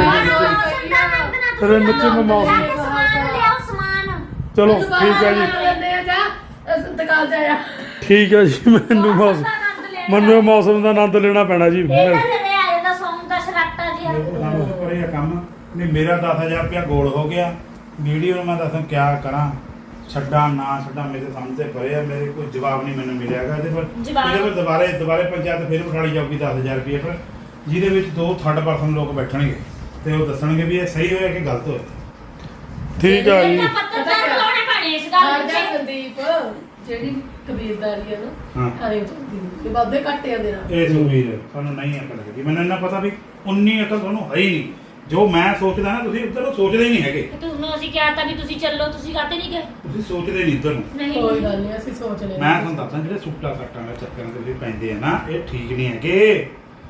Speaker 3: ਗਰਮੈਸ਼
Speaker 1: ਤੇਰੇ ਮਿੱਠੇ ਮੇ ਮੌਸਮ
Speaker 4: ਸਮਾਨ ਲਿਆਓ ਸਮਾਨ
Speaker 1: ਚਲੋ ਠੀਕ ਹੈ ਜੀ
Speaker 3: ਲੈਂਦੇ ਆ ਜਾ ਅਸੀਂ ਦੁਕਾਨ ਜਾਇਆ
Speaker 1: ਠੀਕ ਹੈ ਜੀ ਮੈਨੂੰ ਮੌਸਮ ਮੈਨੂੰ ਇਹ ਮੌਸਮ ਦਾ ਆਨੰਦ ਲੈਣਾ ਪੈਣਾ ਜੀ
Speaker 4: ਇਹ ਤਾਂ ਜਿਵੇਂ ਆ ਜਾਂਦਾ ਸੌਂਗ ਦਾ ਸ਼ਰਾਟਾ ਜਿਹਾ
Speaker 2: ਪਰ ਇਹ ਕੰਮ ਨਹੀਂ ਮੇਰਾ ਦਸ ਹਜ਼ਾਰ ਰੁਪਇਆ ਗੋਲ ਹੋ ਗਿਆ ਵੀਡੀਓ ਨੂੰ ਮੈਂ ਦੱਸਾਂ ਕਿਆ ਕਰਾਂ ਛੱਡਾਂ ਨਾ ਛੱਡਾਂ ਮੇਰੇ ਸਮਝ ਤੇ ਪਰੇ ਆ ਮੇਰੇ ਕੋਈ ਜਵਾਬ ਨਹੀਂ ਮੈਨੂੰ ਮਿਲਿਆਗਾ ਇਹਦੇ ਪਰ
Speaker 4: ਜਵਾਬ?
Speaker 2: ਇਹਦੇ ਪਰ ਦੁਬਾਰੇ ਦੁਬਾਰੇ ਪੰਚਾਇਤ ਫਿਰ ਉਠਾਲੀ ਜਾਊਗੀ ਦਸ ਹਜ਼ਾਰ ਰੁਪਏ ਪਰ ਜਿਹਦੇ ਵਿੱਚ ਦੋ ਥਰਡ ਪਰਸਨ ਲੋਕ ਬੈਠਣਗੇ ਤੇ ਉਹ ਦੱਸਣਗੇ ਵੀ ਇਹ ਸਹੀ ਹੋਇਆ ਕਿ ਗਲਤ ਹੋਇਆ
Speaker 1: ਠੀਕ ਹੈ ਜੀ
Speaker 4: ਇਹਨਾਂ ਪੱਤਰਕਾਰ ਲਾਉਣੇ ਪੈਣੇ ਇਸ ਗੱਲ
Speaker 3: ਹਰ ਜਾ
Speaker 4: ਵਿੱਚ
Speaker 3: ਸੰਦੀਪ ਜਿਹੜੀ ਕਬੀਰਦਾਰੀ ਹੈ ਨਾ
Speaker 1: ਹਾਂ
Speaker 3: ਆਏ ਚੱਲਦੀ ਤੇ ਬਾਦੇ ਘੱਟਿਆਂ ਦੇ ਨਾਲ
Speaker 2: ਇਹ ਸੁਵੀਰ ਤੁਹਾਨੂੰ ਨਹੀਂ ਅਕਲ ਲੱਗੀ ਮੈਨੂੰ ਇੰਨਾ ਪਤਾ ਵੀ ਉਨੀ ਅਕਲ ਤੁਹਾਨੂੰ ਹੈ ਹੀ ਨਹੀਂ ਜੋ ਮੈਂ ਸੋਚਦਾ ਨਾ ਤੁਸੀਂ ਉੱਧਰ ਨੂੰ ਸੋਚਦੇ ਹੀ ਨਹੀਂ ਹੈਗੇ
Speaker 4: ਤੁਹਾਨੂੰ ਅਸੀਂ ਕਿਹਾ ਤਾਂ ਵੀ ਤੁਸੀਂ ਚੱਲੋ ਤੁਸੀਂ ਕਾਹਤੇ ਨਹੀਂ ਗਏ
Speaker 2: ਤੁਸੀਂ ਸੋਚਦੇ ਨਹੀਂ ਇੱਧਰ ਨੂੰ
Speaker 4: ਨਹੀਂ
Speaker 3: ਕੋਈ ਗੱਲ ਨਹੀਂ ਅਸੀਂ ਸੋਚ ਲੈਂਦੇ
Speaker 2: ਮੈਂ ਤੁਹਾਨੂੰ ਦੱਸਦਾ ਜਿਹੜੇ ਸੁੱਟਾ ਸੱਟਾਂ ਦੇ ਚੱਕਰਾਂ ਦੇ ਵਿੱਚ ਪੈਂਦੇ ਆ ਨਾ ਇਹ ਠੀਕ ਨਹੀਂ ਹੈਗੇ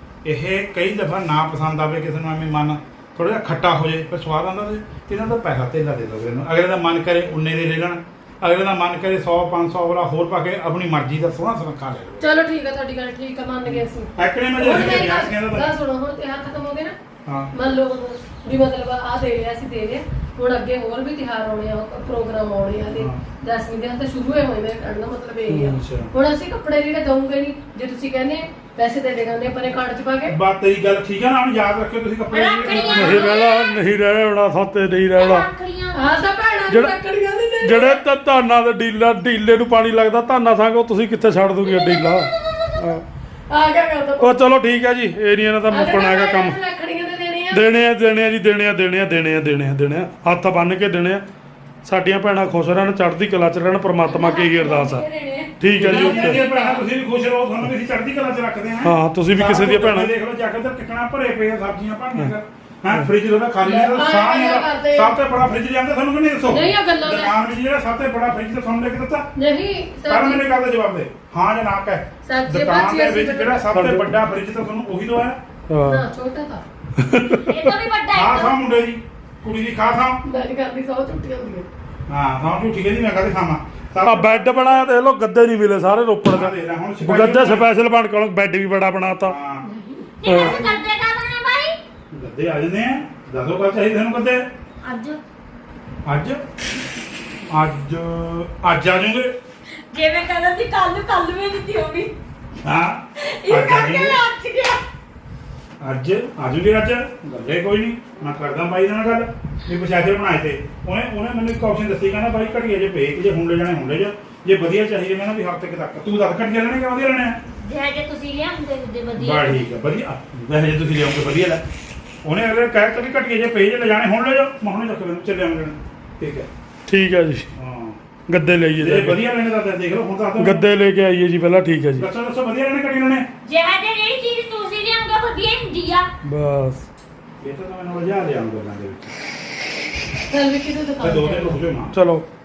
Speaker 2: ਇਹ ਕਈ ਦਫਾ ਨਾ ਪਸੰਦ ਆਵੇ ਕਿਸੇ ਨੂੰ ਐਵੇਂ ਮਨ ਥੋੜਾ ਜਿਹਾ ਖੱਟਾ ਹੋ ਜਾਏ ਪਰ ਸਵਾਦ ਆਉਂਦਾ ਤੇ ਇਹਨਾਂ ਦਾ ਪੈਸਾ ਧੇਲਾ ਦੇ ਦਿਓ ਇਹਨੂੰ ਅਗਲੇ ਦਾ ਮਨ ਕਰੇ ਉਨੇ ਦੇ ਲੈ ਲੈਣ ਅਗਲੇ ਦਾ ਮਨ ਕਰੇ ਸੌ ਪੰਜ ਸੌ ਵਾਲਾ ਹੋਰ ਪਾ ਕੇ ਆਪਣੀ ਮਰਜ਼ੀ ਦਾ ਸੋਹਣਾ ਸੋਹਣਾ ਖਾ ਲੈ ਲਓ
Speaker 3: ਚਲੋ ਠੀਕ ਹੈ ਤੁਹਾਡੀ ਗੱਲ ਠੀਕ ਹੈ ਮੰਨ ਗਏ ਅਸੀਂ
Speaker 2: ਐਕਣੇ ਮੈਂ
Speaker 3: ਹੁਣ
Speaker 2: ਜੇ
Speaker 3: ਮੇਰੀ
Speaker 2: ਵਿਆਹ ਕਹਿੰਦਾ
Speaker 3: ਗੱਲ ਸੁਣੋ ਹੁਣ ਤਿਉਹਾਰ ਖਤਮ ਹੋ ਗਏ ਨਾ
Speaker 2: ਹਾਂ
Speaker 3: ਮੰਨ ਲਓ ਹੁਣ ਵੀ ਮਤਲਬ ਆ ਦੇ ਲਿਆ ਅਸੀਂ ਦੇ ਲਿਆ ਹੁਣ ਅੱਗੇ ਹੋਰ ਵੀ ਤਿਉਹਾਰ ਆਉਣੇ ਆ ਪ੍ਰੋਗਰਾਮ ਆਉਣੇ ਆ ਤੇ
Speaker 2: ਹਾਂ।
Speaker 3: ਦਸਵੀਂ ਦਿਨ ਤਾਂ ਸ਼ੁਰੂ ਹੋਏ ਹੋਏ ਨੇ ਕਹਿਣ ਦਾ ਮਤਲਬ ਇਹ ਆ
Speaker 2: ਅੱਛਾ।
Speaker 3: ਹੁਣ ਅਸੀਂ ਕੱਪੜੇ ਜਿਹੜੇ ਦਊਂਗੇ ਨਹੀਂ ਜੇ ਤੁਸੀਂ ਕਹਿੰਦੇ ਪੈਸੇ ਦੇ ਦੇਗਾਂਗੇ ਪਰੇ ਕਾਰਡ ਚ ਪਾ ਕੇ
Speaker 2: ਬਾਤ ਤੇਰੀ ਗੱਲ ਠੀਕ ਹੈ ਨਾ ਹੁਣ ਯਾਦ ਰੱਖਿਓ ਤੁਸੀਂ ਕੱਪੜੇ
Speaker 4: ਰੱਖੜੀਆਂ।
Speaker 1: ਨਹੀਂ ਰਹਿਣਾ ਨਹੀਂ ਰਹਿਣਾ ਸਾਤੇ ਨਹੀਂ ਰਹਿਣਾ
Speaker 4: ਰੱਖੜੀਆਂ
Speaker 3: ਆਹ ਤਾਂ ਭੈਣਾਂ ਦੀ
Speaker 1: ਜਿਹੜਾ-
Speaker 3: ਰੱਖੜੀਆਂ ਦੇ ਦੇ
Speaker 1: ਜਿਹੜੇ ਤਾਂ ਧਾਨਾਂ ਦੇ ਡੀਲਰ ਡੀਲੇ ਨੂੰ ਪਾਣੀ ਲੱਗਦਾ ਧਾਨਾਂ ਸੰਗ ਉਹ ਤੁਸੀਂ ਕਿੱਥੇ ਛੱਡ ਦੋਗੇ ਡੀਲਾ ਹਾਂ।
Speaker 3: ਆ ਗਿਆ ਗੱਲ ਤਾਂ
Speaker 1: ਉਹ ਚਲੋ ਠੀਕ ਹੈ ਜੀ ਏਰੀਆ ਨਾਲ ਤਾਂ ਮੁੱਕਣਾ ਹੈਗਾ ਕੰਮ
Speaker 3: ਰੱਖੜੀਆਂ ਦੇ ਦੇਣੇ ਆ
Speaker 1: ਦੇਣੇ ਆ ਦੇਣੇ ਆ ਜੀ ਦੇਣੇ ਆ ਦੇਣੇ ਆ ਦੇਣੇ ਆ ਦੇਣੇ ਆ ਦੇਣੇ ਆ ਹੱਥ ਬੰਨ ਕੇ ਦੇਣੇ ਆ ਸਾਡੀਆਂ ਭੈਣਾਂ ਖੁਸ਼ ਰਹਿਣ ਚੜ੍ਹਦੀ ਕਲਾ ਚ ਰਹਿਣ ਪ੍ਰਮਾਤਮਾ ਕੀ ਹੀ ਅਰਦਾਸ ਆ ਠੀਕ ਹੈ ਜੀ
Speaker 2: ਜਿਹੜੀਆਂ
Speaker 1: ਓਕੇ
Speaker 2: ਭੈਣਾਂ ਤੁਸੀਂ ਵੀ ਖੁਸ਼ ਰਹੋ ਤੁਹਾਨੂੰ ਵੀ ਅਸੀਂ ਚੜ੍ਹਦੀ ਕਲਾ ਚ ਰੱਖਦੇ ਹਾਂ
Speaker 1: ਹਾਂ ਤੁਸੀਂ ਵੀ ਕਿਸੇ ਦੀਆਂ ਭੈਣਾਂ
Speaker 2: ਦੇਖ ਲਓ ਜਾ ਕੇ ਤਾਂ ਟਿਕਣਾ ਭਰੇ ਪਏ ਆ ਸਬਜ਼ੀਆਂ ਭਾਣੀਆਂ ਹਾਂ ਫ੍ਰਿਜ ਦਾ ਖਾਲੀ ਹੈ
Speaker 3: ਹਾਂ,
Speaker 2: ਸਾਹ ਨਹੀਂ
Speaker 3: ਇਹ ਕਰਦੇ ਆ।
Speaker 2: ਸਭ ਤੋਂ ਬੜਾ ਫ੍ਰਿਜ ਲਿਆਂਦਾ ਤੁਹਾਨੂੰ ਕਿ ਨਹੀਂ ਦੱਸੋ
Speaker 3: ਨਹੀਂ, ਇਹ ਗੱਲਾਂ ਨੇ।
Speaker 2: ਦੁਕਾਨ ਵਿੱਚ ਜਿਹੜਾ ਸਭ ਤੋਂ ਬੜਾ ਫ੍ਰਿਜ ਤਾਂ ਤੁਹਾਨੂੰ ਲੈ ਕੇ ਦਿੱਤਾ
Speaker 3: ਨਹੀਂ
Speaker 2: ਪਰ
Speaker 3: ਸਰ
Speaker 2: ਮੈਨੂੰ ਗੱਲ ਦਾ ਜਵਾਬ ਦੇ ਹਾਂ ਜਾਂ ਨਾ ਕਹਿ
Speaker 3: ਸਬਜ਼ੀ
Speaker 2: ਦੁਕਾਨ
Speaker 3: ਭਾਜੀ
Speaker 2: ਦੇ
Speaker 3: ਅਸੀਂ
Speaker 2: ਵਿੱਚ ਜਿਹੜਾ ਸਭ ਤੋਂ ਵੱਡਾ ਫ੍ਰਿਜ ਤਾਂ ਤੁਹਾਨੂੰ ਉਹੀ ਦਵਾਇਆ
Speaker 1: ਹਾਂ
Speaker 3: ਨਾ ਛੋਟਾ ਤਾਂ
Speaker 4: ਇਹ ਤਾਂ ਵੀ ਵੱਡਾ
Speaker 2: ਖਾ
Speaker 4: ਹੈ
Speaker 2: ਖਾ ਮੁੰਡੇ ਦੀ ਕੁੜੀ ਦੀ ਖਾ ਖਾ
Speaker 3: ਮੈਂ ਨਹੀਂ ਕਰਦੀ ਸੌ ਛੁੱਟੀਆਂ ਹੁੰਦੀਆਂ
Speaker 2: ਹਾਂ ਹਾਂ ਝੂਠੀ ਕਹਿੰਦੀ ਮੈਂ ਕਦੇ ਖਾਵਾਂ
Speaker 1: ਆ ਬੈੱਡ ਬਣਾਇਆ ਦੇਖ ਲਓ ਗੱਦੇ ਨਹੀਂ ਮਿਲੇ ਸਾਰੇ ਰੋਪੜ
Speaker 2: ਹਾਂ,
Speaker 1: ਚ
Speaker 2: ਦੇਖ ਲੈ ਹੁਣ
Speaker 1: ਗੱਦੇ ਸਪੈਸ਼ਲ ਬਣ ਕੇ ਬੈੱਡ ਵੀ ਬੜਾ ਬਣਾਤਾ
Speaker 2: ਹਾਂ
Speaker 4: ਨਹੀਂ ਵੈਸੇ ਕਰਦੇ ਕਾਹਦਾ ਨੇ ਬਾਈ
Speaker 2: ਗੱਦੇ ਆ ਜਾਂਦੇ ਆ ਦੱਸੋ ਕਾ ਚਾਹੀਦੇ ਤੁਹਾਨੂੰ ਗੱਦੇ
Speaker 4: ਅੱਜ
Speaker 2: ਅੱਜ ਅੱਜ ਅੱਜ ਆ ਜਾਓਗੇ
Speaker 4: ਜਿਵੇਂ ਕਹਿੰਦਾ ਸੀ ਕੱਲ ਨੂੰ ਕੱਲ ਵੀ ਨਹੀਂ ਹੋਗੀ
Speaker 2: ਹਾਂ
Speaker 4: ਇਹ
Speaker 2: ਅੱਜ ਆ
Speaker 4: ਕਰਕੇ
Speaker 2: ਜਾਈਏ।
Speaker 4: ਲੱਜ ਗਿਆ
Speaker 2: ਅੱਜ ਆਜੂਗੇ ਅੱਜ ਗੱਲੇ ਕੋਈ ਨਹੀਂ ਮੈਂ ਕਰਦਾ ਬਾਈ ਨਾਲ ਗੱਲ ਵੀ ਪਛਾਚੇ ਬਣਾਏ ਤੇ ਉਹਨੇ ਉਹਨੇ ਮੈਨੂੰ ਇੱਕ ਆਪਸ਼ਨ ਦੱਸੀ ਕਹਿੰਦਾ ਬਾਈ ਘਟੀਆ ਜੇ ਭੇਜ ਜੇ ਹੁਣ ਲੈ ਜਾਣੇ ਹੁਣ ਲੈ ਜਾ ਜੇ ਵਧੀਆ ਚਾਹੀਦੇ ਮੈਂ ਨਾ ਵੀ ਹਫ਼ਤੇ ਕੁ ਤੱਕ ਤੂੰ ਦੱਸ ਘਟੀਆ ਲੈਣੇ ਕਿ ਵਧੀਆ ਲੈਣੇ ਆ
Speaker 4: ਜੇ ਜੇ ਤੁਸੀਂ ਲਿਆਉਂਦੇ ਹੁੰਦੇ ਵਧੀਆ
Speaker 2: ਬਾ ਠੀਕ ਆ ਵਧੀਆ ਵੈਸੇ ਜੇ ਤੁਸੀਂ ਲਿਆਉਂਗੇ ਵਧੀਆ ਲੈ ਉਹਨੇ ਅਗਲੇ ਕਹਿ ਤਾ ਵੀ ਘਟੀਆ ਜੇ ਭੇਜ ਲੈ ਜਾਣੇ ਹੁਣ ਲੈ ਜਾ ਮੈਂ ਹੁਣੇ ਚੱਕ ਲੈਣ ਚੱਲੇ ਆਉਂਦੇ ਠੀਕ ਹੈ
Speaker 1: ਠੀਕ ਹੈ ਜੀ
Speaker 2: ਹਾਂ
Speaker 1: ਗੱਦੇ ਲਈਏ
Speaker 2: ਜੇ
Speaker 1: ਜਾ ਕੇ।
Speaker 2: ਵਧੀਆ ਲੈਣੇ ਤਾਂ ਦੇਖ ਲਓ ਹੁਣ ਦੱਸ ਦਿਓ
Speaker 1: ਗੱਦੇ ਲੈ ਕੇ ਆਈਏ ਜੀ ਪਹਿਲਾਂ ਠੀਕ ਹੈ ਜੀ
Speaker 2: ਦੱਸੋ ਦੱਸੋ ਵਧੀਆ ਲੈਣੇ ਘਟੀ ਲੈਣੇ
Speaker 4: ਜੇ ਜੇ ਜਿਹੜੀ ਚੀਜ਼ ਤੁਸੀਂ ਲਿਆਉਂਗੇ ਵਧੀਆ ਹੀ ਹੁੰਦੀ ਆ
Speaker 1: ਬਸ
Speaker 2: ਇਹ ਤਾਂ ਮੈਂ ਨਾਲ ਲਿਆ ਲਿਆਉਂਗਾ ਗੱਲਾਂ ਦੇ ਵਿੱਚ
Speaker 3: ਚੱਲ ਵੀ ਕਿਤੇ
Speaker 2: ਤੇ ਦੋ ਦਿਨ
Speaker 3: ਦੁਕਾਨ
Speaker 2: ਰੁਕ ਜਾਓ ਨਾ
Speaker 1: ਚਲੋ